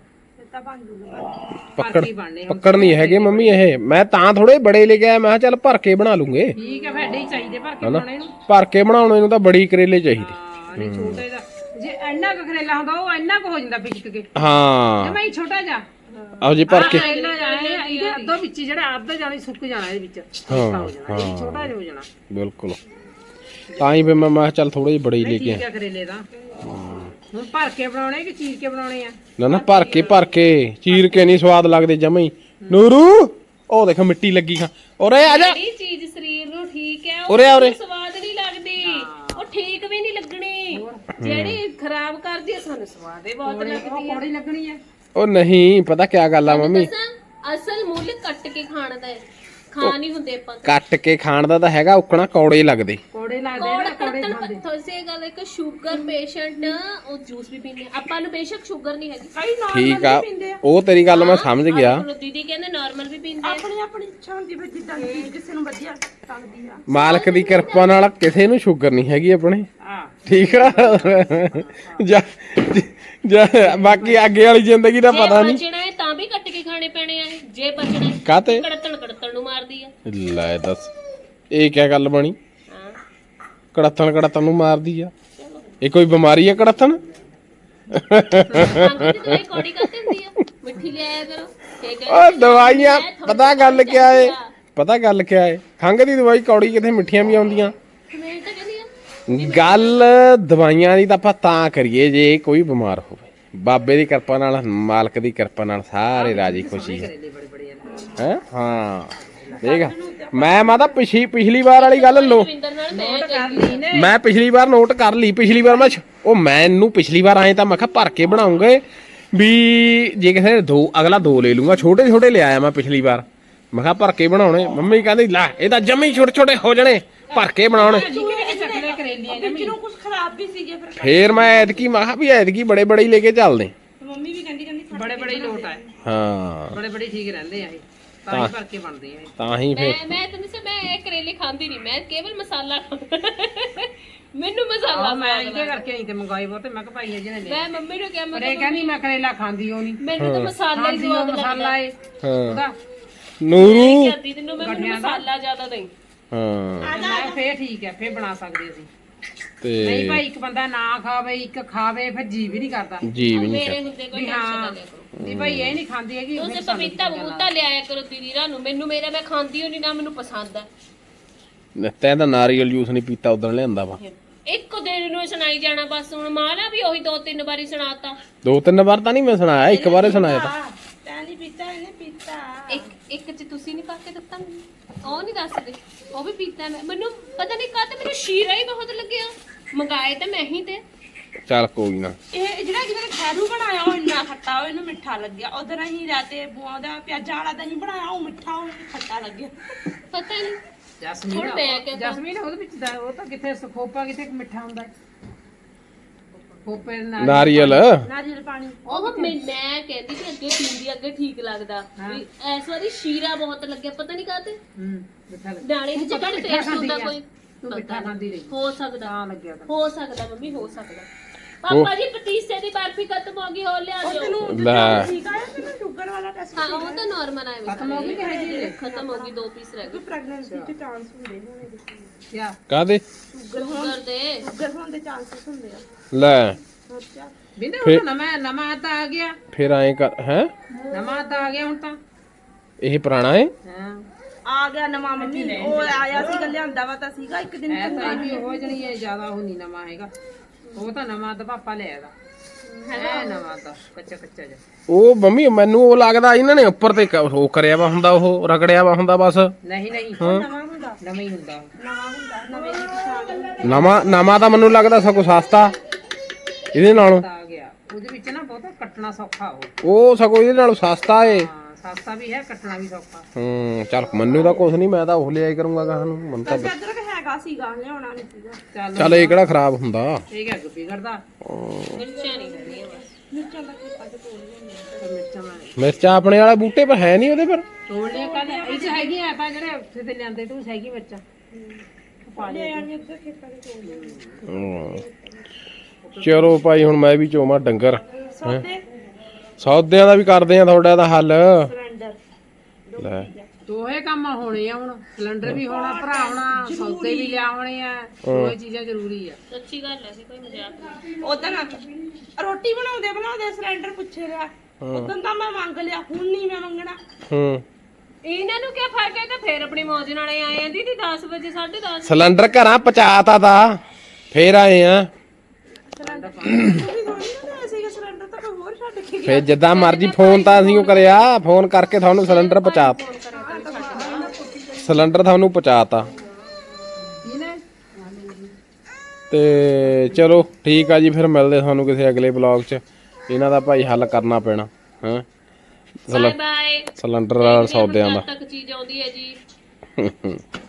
Speaker 5: ਤਾਂ ਬਣ ਜੂਗਾ
Speaker 2: ਪੱਕੜ
Speaker 3: ਹੀ ਬਣਨੇ ਹੁਣ।
Speaker 2: ਪੱਕੜ ਨਹੀਂ ਹੈਗੇ ਮੰਮੀ ਇਹ ਮੈਂ ਤਾਂ ਥੋੜੇ ਬੜੇ ਲੈ ਕੇ ਆਇਆ ਮੈਂ ਕਿਹਾ ਚੱਲ ਭਰ ਕੇ ਬਣਾ ਲੂੰਗੇ
Speaker 3: ਠੀਕ ਹੈ ਫੇਡੇ ਹੀ ਚਾਹੀਦੇ ਭਰ ਕੇ
Speaker 2: ਹਨਾ
Speaker 3: ਬਣਾਉਣੇ ਨੂੰ
Speaker 2: ਭਰ ਕੇ ਬਣਾਉਣੇ ਨੂੰ ਤਾਂ ਬੜੀ ਕਰੇਲੇ ਚਾਹੀਦੇ
Speaker 3: ਹਾਂ ਨਹੀਂ ਛੋਟੇ ਦਾ ਜੇ ਇੰਨਾ ਕੁ ਕਰੇਲਾ ਹੁੰਦਾ ਉਹ ਇੰਨਾ ਕੁ ਹੋ ਜਾਂਦਾ ਪਿਚਕ ਕੇ
Speaker 2: ਹਾਂ
Speaker 3: ਜਮਾ ਹੀ ਛੋਟਾ ਜਾ
Speaker 2: ਆਓ ਜੀ ਭਰ ਕੇ
Speaker 3: ਕਰੇਲਾ ਜਾਣਾ ਇਹਦੇ ਅੱਧੋ ਵਿੱਚ ਜਿਹੜਾ ਅੱਧਾ ਜਾਣਾ ਸੁੱਕ ਜਾਣਾ ਇਹਦੇ ਵਿੱਚ
Speaker 2: ਹਾਂ
Speaker 3: ਹੋ ਜਾਣਾ ਇਹ ਛੋਟਾ ਜਿਹਾ ਹੋ ਜਾਣਾ
Speaker 2: ਬਿਲਕੁਲ ਤਾਂ ਹੀ ਫਿਰ ਮੈਂ ਮੈਂ ਕਿਹਾ ਚੱਲ ਥੋੜੇ ਜਿਹੇ ਬੜੇ ਹੀ ਲੈ ਕੇ
Speaker 3: ਠੀਕ ਹੈ ਕਰੇਲੇ ਦਾ ਹੁਣ ਭਰ ਕੇ ਬਣਾਉਣੇ ਕਿ ਚੀਰ ਕੇ ਬਣਾਉਣੇ ਆ
Speaker 2: ਨਾ ਨਾ ਭਰ ਕੇ ਭਰ ਕੇ ਚੀਰ ਕੇ ਨਹੀਂ ਸਵਾਦ ਲੱਗਦੇ ਜਮਾਂ ਹੀ ਨੂਰੂ ਉਹ ਦੇਖ ਮਿੱਟੀ ਲੱਗੀ ਖਾ ਉਰੇ ਆ ਜਾ
Speaker 4: ਜਿਹੜੀ ਚੀਜ਼ ਸਰੀਰ ਨੂੰ ਠੀਕ ਹੈ
Speaker 2: ਉਰੇ ਆ, ਉਰੇ।
Speaker 4: ਉਹ ਸਵਾਦ ਨਹੀਂ ਲੱਗਦੀ ਉਹ ਠੀਕ ਵੀ ਨਹੀਂ ਲੱਗਣੀ ਜਿਹੜੀ ਖਰਾਬ ਕਰਦੀ ਹੈ ਸਾਨੂੰ ਸਵਾਦ ਹੀ ਬਹੁਤ ਲੱਗਦੀ ਹੈ
Speaker 3: ਕੌੜੀ ਲੱਗਣੀ ਹੈ
Speaker 2: ਉਹ ਨਹੀਂ ਪਤਾ ਕਿਆ ਗੱਲ ਆ ਮੰਮੀ
Speaker 4: ਦੱਸਾਂ ਅਸਲ ਮੁੱਲ ਕੱਟ ਕੇ ਖਾਣ ਦਾ ਹੈ ਖਾ ਨਹੀਂ ਹੁੰਦੇ ਆਪਾਂ
Speaker 2: ਕੱਟ ਕੇ ਖਾਣ ਦਾ ਤਾਂ ਹੈਗਾ ਉਕਣਾ ਕੌੜੇ ਲੱਗਦੇ
Speaker 3: ਕੋੜੇ ਲੱਗਦੇ
Speaker 4: ਕੋੜ
Speaker 3: ਨਾ ਕੋੜੇ
Speaker 4: ਕੱਟਣ ਤੁਸੀਂ ਗੱਲ ਇੱਕ ਸ਼ੂਗਰ ਪੇਸ਼ੈਂਟ ਉਹ ਜੂਸ ਵੀ ਪੀਂਦੇ ਆ। ਆਪਾਂ ਨੂੰ ਬੇਸ਼ੱਕ ਸ਼ੂਗਰ ਨਹੀਂ ਹੈਗੀ
Speaker 5: ਕਈ ਨਾ
Speaker 2: ਠੀਕ ਆ ਉਹ ਤੇਰੀ ਗੱਲ ਮੈਂ ਸਮਝ ਗਿਆ
Speaker 4: ਹੁਣ ਦੀਦੀ ਕਹਿੰਦੇ ਨਾਰਮਲ ਵੀ ਪੀਂਦੇ ਆ।
Speaker 5: ਆਪਣੀ ਆਪਣੀ ਇੱਛਾ ਹੁੰਦੀ ਫਿਰ ਜਿੱਦਾਂ ਦੀ ਚੀਜ਼ ਕਿਸੇ ਨੂੰ ਵਧੀਆ ਲੱਗਦੀ ਆ
Speaker 2: ਮਾਲਕ ਦੀ ਕਿਰਪਾ ਨਾਲ ਕਿਸੇ ਨੂੰ ਸ਼ੂਗਰ ਨਹੀਂ ਹੈਗੀ ਆਪਣੇ
Speaker 3: ਹਾਂ
Speaker 2: ਠੀਕ ਆ ਜਾ ਜਾ ਬਾਕੀ ਅੱਗੇ ਵਾਲੀ ਜ਼ਿੰਦਗੀ ਦਾ ਪਤਾ
Speaker 4: ਜੇ
Speaker 2: ਨਹੀਂ
Speaker 4: ਬਚਣਾ ਹੈ ਤਾਂ ਵੀ ਕੱਟ ਕੇ ਖਾਣੇ ਪੈਣੇ ਆ ਇਹ। ਜੇ ਬਚਣਾ ਹੈ
Speaker 2: ਕਾਤੇ
Speaker 4: ਕੜਤਣ ਕੜਤਣ ਨੂੰ ਮਾਰਦੀ ਆ
Speaker 2: ਲੈ ਦੱਸ ਇਹ ਕਿਆ ਗੱਲ ਬਣੀ
Speaker 4: ਹਾਂ
Speaker 2: ਕੜੱਤਣ ਕੜੱਤਣ ਨੂੰ ਮਾਰਦੀ ਆ ਇਹ ਕੋਈ ਬਿਮਾਰੀ ਆ ਕੜੱਤਣ
Speaker 4: ਖੰਘ ਦੀ ਦਵਾਈ ਕੌੜੀ ਕਰਤੇ ਹੁੰਦੀ ਆ ਮਿੱਠੀ ਲਿਆਇਆ ਕਰੋ ਇਹ ਕਹਿੰਦੇ
Speaker 2: ਓ ਦਵਾਈਆਂ ਪਤਾ ਗੱਲ ਕਿਆ ਏ ਪਤਾ ਗੱਲ ਕਿਆ ਏ ਖੰਘ ਦੀ ਦਵਾਈ ਕੌੜੀ ਕਿਤੇ ਮਿੱਠੀਆਂ ਵੀ ਆਉਂਦੀਆਂ
Speaker 4: ਮੈਂ ਤਾਂ ਕਹਿੰਦੀ ਆ
Speaker 2: ਗੱਲ ਦਵਾਈਆਂ ਦੀ ਤਾਂ ਆਪਾਂ ਤਾਂ ਕਰੀਏ ਜੇ ਕੋਈ ਬਿਮਾਰ ਹੋਵੇ ਬਾਬੇ ਦੀ ਕਿਰਪਾ ਨਾਲ ਮਾਲਕ ਦੀ ਕਿਰਪਾ ਨਾਲ ਸਾਰੇ ਰਾਜੀ ਖੁਸ਼ੀ ਹੈ
Speaker 3: ਬੜੇ ਬੜੇ
Speaker 2: ਹੈ ਹਾਂ ਦੇਖ ਮੈਂ ਮਾਤਾ ਪਿਛਲੀ ਪਿਛਲੀ ਵਾਰ ਵਾਲੀ ਗੱਲ ਲੋ
Speaker 4: ਰਵਿੰਦਰ ਨਾਲ ਮੈਂ
Speaker 3: ਕਰ ਲਈ ਨੇ
Speaker 2: ਮੈਂ ਪਿਛਲੀ ਵਾਰ ਨੋਟ ਕਰ ਲਈ ਪਿਛਲੀ ਵਾਰ ਮੈਂ ਛ- ਉਹ ਮੈਨੂੰ ਪਿਛਲੀ ਵਾਰ ਆਏ ਤਾਂ ਮੈਂ ਕਿਹਾ ਭਰ ਕੇ ਬਣਾਉਂਗੇ ਵੀ ਜੇ ਕਿਸੇ ਨੇ ਦੋ ਅਗਲਾ ਦੋ ਲੈ ਲੂੰਗਾ ਛੋਟੇ ਛੋਟੇ ਲਿਆਇਆ ਮੈਂ ਪਿਛਲੀ ਵਾਰ ਮੈਂ ਕਿਹਾ ਭਰ ਕੇ ਬਣਾਉਣੇ ਮੰਮੀ ਕਹਿੰਦੀ ਲੈ ਇਹ ਤਾਂ ਜਮੇ ਹੀ ਛੋਟੇ ਛੋਟੇ ਹੋ ਜਾਣੇ ਭਰ ਕੇ ਬਣਾਉਣੇ
Speaker 3: ਚੱਕਲੇ ਕਰੇਲੀਆਂ
Speaker 5: ਵਿੱਚ ਨੂੰ ਕੁਝ ਖਰਾਬ ਵੀ ਸੀਗੇ ਫਿਰ
Speaker 2: ਫੇਰ ਮੈਂ ਐਤਕੀ ਮੈਂ ਕਿਹਾ ਵੀ ਐਤਕੀ ਬੜੇ ਬੜੇ ਹੀ ਲੈ ਕੇ ਚੱਲਦੇ
Speaker 5: ਤੇ ਮੰਮੀ ਵੀ ਕਹਿੰਦੀ ਕਹਿੰਦੀ
Speaker 3: ਬੜੇ ਬੜੇ ਹੀ ਲੋਟ ਆਏ
Speaker 2: ਹਾਂ
Speaker 3: ਬੜੇ ਬੜੇ ਠੀਕ ਰਹਿੰਦੇ ਆ ਇਹ ਤਾਂ ਹੀ ਭਰ ਕੇ ਬਣਦੇ ਆ ਇਹ
Speaker 2: ਤਾਂ ਹੀ ਫੇਰ
Speaker 4: ਮੈਂ ਮੈਂ ਤੈਨੂੰ ਸੇ ਮੈਂ ਇਹ ਕਰੇਲੇ ਖਾਂਦੀ ਨਹੀਂ ਮੈਂ ਕੇਵਲ ਮਸਾਲਾ ਖਾਂਦਾ ਮੈਨੂੰ ਮਸਾਲਾ
Speaker 3: ਆਹ ਮੈਂ
Speaker 4: ਸਵਾਦ
Speaker 3: ਇਹਦੇ ਕਰਕੇ ਨਹੀਂ ਤੇ ਮੰਗਾਈ ਬਹੁਤ ਤੇ ਮੈਂ ਕਿਹਾ ਭਾਈ ਅਜੇ ਨੇ ਲੈ
Speaker 4: ਮੈਂ ਮੰਮੀ ਨੂੰ ਕਿਹਾ ਮੈਂ
Speaker 3: ਪਰ ਇਹ ਕਹਿੰਦੀ ਮੈਂ ਕਰੇਲਾ ਖਾਂਦੀ ਹੋ ਨਹੀਂ
Speaker 4: ਮੈਨੂੰ ਤਾਂ ਮਸਾਲਾ ਹੀ
Speaker 3: ਖਾਂਦੀ ਉਹ
Speaker 4: ਸਵਾਦ
Speaker 3: ਮਸਾਲਾ
Speaker 4: ਲੱਗਦਾ
Speaker 3: ਏ
Speaker 2: ਹਾਂ
Speaker 3: ਉਹਦਾ
Speaker 2: ਨੂਰੂ
Speaker 4: ਕਰਦੀ ਤੈਨੂੰ ਮੈਂ ਮੈਨੂੰ ਮਸਾਲਾ ਜ਼ਿਆਦਾ ਨਹੀਂ
Speaker 2: ਹਾਂ
Speaker 3: ਮੈਂ ਫੇਰ ਠੀਕ ਹੈ ਫੇਰ ਬਣਾ ਸਕਦੇ ਅਸੀਂ
Speaker 2: ਤੇ
Speaker 3: ਨਹੀਂ ਭਾਈ ਇੱਕ ਬੰਦਾ ਨਾ ਖਾਵੇ ਇੱਕ ਖਾਵੇ ਫਿਰ ਜੀ ਵੀ ਨਹੀਂ ਕਰਦਾ
Speaker 2: ਜੀ ਵੀ ਨਹੀਂ
Speaker 4: ਮੇਰੇ ਹੁੰਦੇ ਕੋਈ
Speaker 3: ਵੀ
Speaker 4: ਟੈਨਸ਼ਨ ਨਾ
Speaker 3: ਹਾਂ
Speaker 4: ਲਿਆ ਕਰੋ
Speaker 3: ਨਹੀਂ ਭਾਈ ਇਹ ਨਹੀਂ ਖਾਂਦੀ ਹੈਗੀ
Speaker 4: ਤੁਸੀਂ
Speaker 3: ਫਿਰ ਸਾਨੂੰ
Speaker 4: ਪਪੀਤਾ ਬੂਤਾ ਲਿਆਇਆ ਕਰੋ ਦੀਦੀ ਰਾਂ ਨੂੰ ਮੈਨੂੰ ਮੇਰਾ ਮੈਂ ਖਾਂਦੀ ਹੋ ਨਹੀਂ ਨਾ ਮੈਨੂੰ ਪਸੰਦ ਆ
Speaker 2: ਤੈਂ ਤਾਂ ਨਾਰੀਅਲ ਜੂਸ ਨਹੀਂ ਪੀਤਾ ਉਦੋਂ ਲਿਆਂਦਾ ਵਾ
Speaker 4: ਇੱਕ ਦਿਨ ਨੂੰ ਸੁਣਾਈ ਜਾਣਾ ਬਸ ਹੁਣ ਮਾਲਾ ਵੀ ਉਹੀ ਦੋ ਤਿੰਨ ਵਾਰੀ ਸੁਣਾਤਾ
Speaker 2: ਦੋ ਤਿੰਨ ਵਾਰ ਤਾਂ ਨਹੀਂ ਮੈਂ ਸੁਣਾਇਆ ਇੱਕ ਵਾਰੇ ਸੁਣਾਇਆ ਤਾਂ
Speaker 5: ਤੈਂ ਨਹੀਂ ਪੀਤਾ ਇਹਨੇ ਪੀਤਾ
Speaker 4: ਇੱਕ ਇੱਕ ਚ ਤੁਸੀਂ ਨਹੀਂ ਪਾ ਕੇ ਦਿੱਤਾ ਮੈਨੂੰ ਉਹ ਨਹੀਂ ਦੱਸਦੇ ਉਹ ਵੀ ਪੀਤਾ ਮੈਂ ਮੈਨੂੰ ਪਤਾ ਨਹੀਂ ਕਾਹਤੇ ਮੈਨੂੰ ਸ਼ੀਰਾ ਹੀ ਬਹੁਤ ਲੱਗਿਆ ਮੰਗਾਏ ਤਾਂ ਮੈਂ ਹੀ ਤੇ
Speaker 2: ਚੱਲ ਕੋਈ ਨਾ
Speaker 5: ਇਹ ਜਿਹੜਾ ਜਿਹਨੇ ਖੈਰੂ ਬਣਾਇਆ ਉਹ ਇੰਨਾ ਖੱਟਾ ਉਹ ਇਹਨੂੰ ਮਿੱਠਾ ਲੱਗਿਆ ਉਧਰ ਅਸੀਂ ਰਾਤੇ ਬੂਆਂ ਦਾ ਪਿਆਜ਼ਾਂ ਵਾਲਾ ਦਹੀਂ ਬਣਾਇਆ ਉਹ ਮਿੱਠਾ ਉਹ ਖੱਟਾ ਲੱਗਿਆ
Speaker 4: ਪਤਾ ਨਹੀਂ
Speaker 3: ਜਸਮੀਨ
Speaker 4: ਹੁਣ ਮੈਂ ਕਿਹਾ
Speaker 3: ਜਸਮੀਨ ਉਹਦੇ ਵਿੱਚ ਦਾ ਉਹ ਤਾਂ ਕਿੱਥੇ ਖੋਪਾ ਕਿੱਥੇ ਮਿੱਠਾ ਹੁੰਦਾ ਹੈ ਖੋਪੇ ਨਾਲ
Speaker 2: ਨਾਰੀਅਲ
Speaker 5: ਨਾਰੀਅਲ ਪਾਣੀ
Speaker 4: ਉਹ ਮੈਂ ਮੈਂ ਕਹਿੰਦੀ ਕਿ ਅੱਗੇ ਪੀਂਦੀ ਅੱਗੇ ਠੀਕ ਲੱਗਦਾ ਵੀ ਇਸ ਵਾਰੀ ਸ਼ੀਰਾ ਬਹੁਤ ਲੱਗਿਆ ਪਤਾ ਨਹੀਂ ਕਾਹਤੇ
Speaker 3: ਹੂੰ ਮਿੱਠਾ ਲੱਗ
Speaker 4: ਨਾਲੇ ਦੀ ਜਗ੍ਹਾ ਤੇ ਟੇਸਟ ਹੁੰਦਾ ਕੋਈ
Speaker 3: ਤੂੰ ਮਿੱਠਾ ਖਾਂਦੀ ਰਹੀ
Speaker 4: ਹੋ ਸਕਦਾ
Speaker 3: ਤਾਂ ਲੱਗਿਆ ਤਾਂ
Speaker 4: ਹੋ ਸਕਦਾ ਮੰਮੀ ਹੋ ਸਕਦਾ ਪਾਪਾ ਜੀ ਪਤੀਸੇ ਦੀ ਬਰਫੀ ਖਤਮ ਹੋ ਗਈ ਹੋ ਲਿਆ ਦਿਓ
Speaker 2: ਲੈ
Speaker 5: ਠੀਕ ਆਇਆ ਤੈਨੂੰ ਸ਼ੂਗਰ ਵਾਲਾ ਟੈਸਟ
Speaker 4: ਹਾਂ ਉਹ ਤਾਂ ਨਾਰਮਲ ਆਇਆ
Speaker 3: ਖਤਮ ਹੋ ਗਈ ਕਿ ਹੈਗੀ ਹੈ?
Speaker 4: ਖਤਮ ਹੋ ਗਈ ਦੋ ਪੀਸ ਰਹਿ ਗਏ
Speaker 5: ਪ੍ਰੈਗਨੈਂਸੀ ਚ ਚਾਂਸ ਹੁੰਦੇ ਹੋਣੇ
Speaker 3: ਕਿਆ
Speaker 2: ਕਾਦੇ
Speaker 4: ਸ਼ੂਗਰ ਦੇ
Speaker 5: ਸ਼ੂਗਰ ਹੋਣ ਦੇ ਚਾਂਸਸ ਹੁੰਦੇ ਆ
Speaker 2: ਲੈ
Speaker 5: ਹੋਰ ਕਿਆ
Speaker 3: ਬਿੰਦੇ ਹੁਣ ਤਾਂ ਨਵਾਂ ਨਵਾਂ ਤਾਂ ਆ ਗਿਆ
Speaker 2: ਫਿਰ ਐਂ ਕਰ ਹੈ
Speaker 3: ਨਵਾਂ ਤਾਂ ਆ ਗਿਆ ਹੁਣ ਤਾਂ
Speaker 2: ਇਹ ਪੁਰਾਣਾ ਏ
Speaker 3: ਹਾਂ
Speaker 5: ਆ ਗਿਆ ਨਵਾਂ ਮੰਮੀ ਉਹ ਆਇਆ ਸੀਗਾ ਲਿਆਂਦਾ ਵਾ ਤਾਂ ਸੀਗਾ ਇੱਕ ਦਿਨ
Speaker 3: ਐ ਤਾਂ ਇਹ ਵੀ ਹੋ ਜਣੀ ਹੈ ਜ਼ਿਆਦਾ ਉਹ ਨਹੀਂ ਨਵਾਂ ਹੈਗਾ ਉਹ ਤਾਂ ਨਵਾਂ ਤਾਂ ਪਾਪਾ ਲੈ ਆਦਾ ਹੈ ਨਵਾਂ ਤਾਂ ਕੱਚਾ ਕੱਚਾ ਜਿਹਾ
Speaker 2: ਉਹ ਮੰਮੀ ਮੈਨੂੰ ਉਹ ਲੱਗਦਾ ਇਹਨਾਂ ਨੇ ਉੱਪਰ ਤੇ ਕ- ਉਹ ਕਰਿਆ ਵਾ ਹੁੰਦਾ ਉਹ ਰਗੜਿਆ ਵਾ ਹੁੰਦਾ ਬਸ
Speaker 3: ਨਹੀਂ ਨਹੀਂ
Speaker 5: ਨਵਾਂ ਹੁੰਦਾ
Speaker 3: ਨਵਾਂ ਹੀ ਹੁੰਦਾ
Speaker 5: ਨਵਾਂ ਹੁੰਦਾ ਨਵੇਂ ਦੀ ਪਛਾਣ
Speaker 2: ਨਵਾਂ ਨਵਾਂ ਤਾਂ ਮੈਨੂੰ ਲੱਗਦਾ ਸਗੋਂ ਸਸਤਾ ਇਹਦੇ ਨਾਲੋਂ
Speaker 3: ਤਾਂ ਆ ਗਿਆ ਉਹਦੇ ਵਿੱਚ ਨਾ ਬਹੁਤ ਕੱਟਣਾ ਸੌਖਾ ਉਹ
Speaker 2: ਉਹ ਸਗੋਂ ਇਹਦੇ ਨਾਲੋਂ ਸਸਤਾ ਏ
Speaker 3: ਹਾਂ ਸਸਤਾ ਵੀ ਹੈ ਕੱਟਣਾ ਵੀ ਸੌਖਾ
Speaker 2: ਹੂੰ ਚੱਲ ਮੈਨੂੰ ਤਾਂ ਕੁਛ ਨਹੀਂ ਮੈਂ ਤਾਂ ਉਹ ਲਿਆਈ ਕਰੂੰਗਾ ਕਹਾਂ ਨੂੰ ਮੈਨੂੰ ਤਾਂ
Speaker 5: ਵੈਸੇ ਅਦਰਕ ਹੈਗਾ ਸੀਗਾ ਲਿਆਉਣਾ ਨਹੀਂ ਸੀਗਾ
Speaker 3: ਚੱਲ
Speaker 2: ਚੱਲ ਇਹ ਕਿਹੜਾ ਖਰਾਬ ਹੁੰਦਾ
Speaker 3: ਇਹ ਕਿਆ ਅੱਗ ਵਿਗੜਦਾ
Speaker 4: ਮਿਰਚਾਂ ਨਹੀਂ ਹੁੰਦੀਆਂ ਬਸ
Speaker 5: ਮਿਰਚਾਂ ਦਾ ਖੇਪਾ ਤੇ ਤੋੜ ਲੈਂਦੇ
Speaker 3: ਤੇ ਮਿਰਚਾਂ ਮੈਂ
Speaker 2: ਮਿਰਚਾਂ ਆਪਣੇ ਵਾਲੇ ਬੂਟੇ ਪਰ ਹੈ ਨਹੀਂ ਉਹਦੇ ਪਰ
Speaker 3: ਤੋੜ ਲਿਆ ਕੱਲ ਇਹ ਚ ਹੈਗੀਆਂ ਆਪਾਂ ਜਿਹੜੇ ਉੱਥੇ ਤੇ ਲਿਆਂਦੇ ਤੂੰ ਹੈਗੀ ਮਿਰਚਾਂ ਪਾ
Speaker 5: ਲੈ ਆਣੀ ਉੱਧਰ ਖੇਪਾ ਤੇ ਤੋੜ ਲੈਂਦੇ
Speaker 2: ਹੂੰ। ਚਲੋ ਭਾਈ ਹੁਣ ਮੈਂ ਵੀ ਚੋਵਾਂ ਡੰਗਰ
Speaker 5: ਸੌਦੇ
Speaker 2: ਸੌਦਿਆਂ ਦਾ ਵੀ ਕਰਦੇ ਆ ਤੁਹਾਡਾ ਦਾ ਹੱਲ
Speaker 5: ਸਿਲੰਡਰ
Speaker 2: ਲੈ
Speaker 3: ਦੋਹੇ ਕੰਮ ਹੋਣੇ ਆ ਹੁਣ ਸਿਲੰਡਰ ਵੀ ਹੋਣਾ ਭਰਾਉਣਾ ਸੌਦੇ ਵੀ ਲਿਆਉਣੇ ਆ ਦੋਹੇ ਚੀਜ਼ਾਂ ਜ਼ਰੂਰੀ ਆ
Speaker 4: ਸੱਚੀ ਗੱਲ ਹੈ ਸੀ ਕੋਈ ਮਜ਼ਾਕ ਨਹੀਂ
Speaker 5: ਉਦੋਂ ਰੋਟੀ ਬਣਾਉਂਦੇ ਬਣਾਉਂਦੇ ਸਿਲੰਡਰ ਪੁੱਛੇ ਰਿਹਾ ਉਦੋਂ ਤਾਂ ਮੈਂ ਮੰਗ ਲਿਆ ਹੁਣ ਨਹੀਂ ਮੈਂ ਮੰਗਣਾ
Speaker 2: ਹੂੰ
Speaker 4: ਇਹਨਾਂ ਨੂੰ ਕੀ ਫਰਕ ਹੈ ਤਾਂ ਫੇਰ ਆਪਣੀ ਮੌਜ ਨਾਲੇ ਆਏ ਆ ਦੀਦੀ ਦਸ ਵਜੇ ਸਾਢੇ ਦਸ
Speaker 2: ਸਿਲੰਡਰ ਘਰਾਂ ਪਹੁੰਚਾਤਾ ਤਾ ਫੇਰ ਆਏ ਆ
Speaker 5: ਸਿਲੰਡਰ ਤੁਸੀਂ ਥੋੜੀ ਨਾ ਸੀਗਾ ਸਿਲੰਡਰ ਤਾਂ ਕੋਈ ਹੋਰ ਛੱਡ ਕੇ ਗਿਆ
Speaker 2: ਫੇਰ ਜਿੱਦਾਂ ਮਰਜ਼ੀ ਫੋਨ ਤਾਂ ਅਸੀਂ ਉਹ ਕਰਿਆ ਫੋਨ ਕਰਕੇ ਤੁਹਾਨੂੰ ਸਿਲੰਡਰ ਪਹੁੰਚਾਤਾ ਸਿਲੰਡਰ ਤੁਹਾਨੂੰ ਪਹੁੰਚਾਤਾ ਤੇ ਚਲੋ ਠੀਕ ਆ ਜੀ ਫਿਰ ਮਿਲਦੇ ਤੁਹਾਨੂੰ ਕਿਸੇ ਅਗਲੇ ਬਲੌਗ 'ਚ ਇਹਨਾਂ ਦਾ ਭਾਈ ਹੱਲ ਕਰਨਾ ਪੈਣਾ ਹਾਂ
Speaker 4: ਬਾਏ ਬਾਏ
Speaker 2: ਸਿਲੰਡਰ ਸੌਦਿਆਂ ਦਾ
Speaker 4: ਤੱਕ ਚੀਜ਼ ਆਉਂਦੀ ਹੈ ਜੀ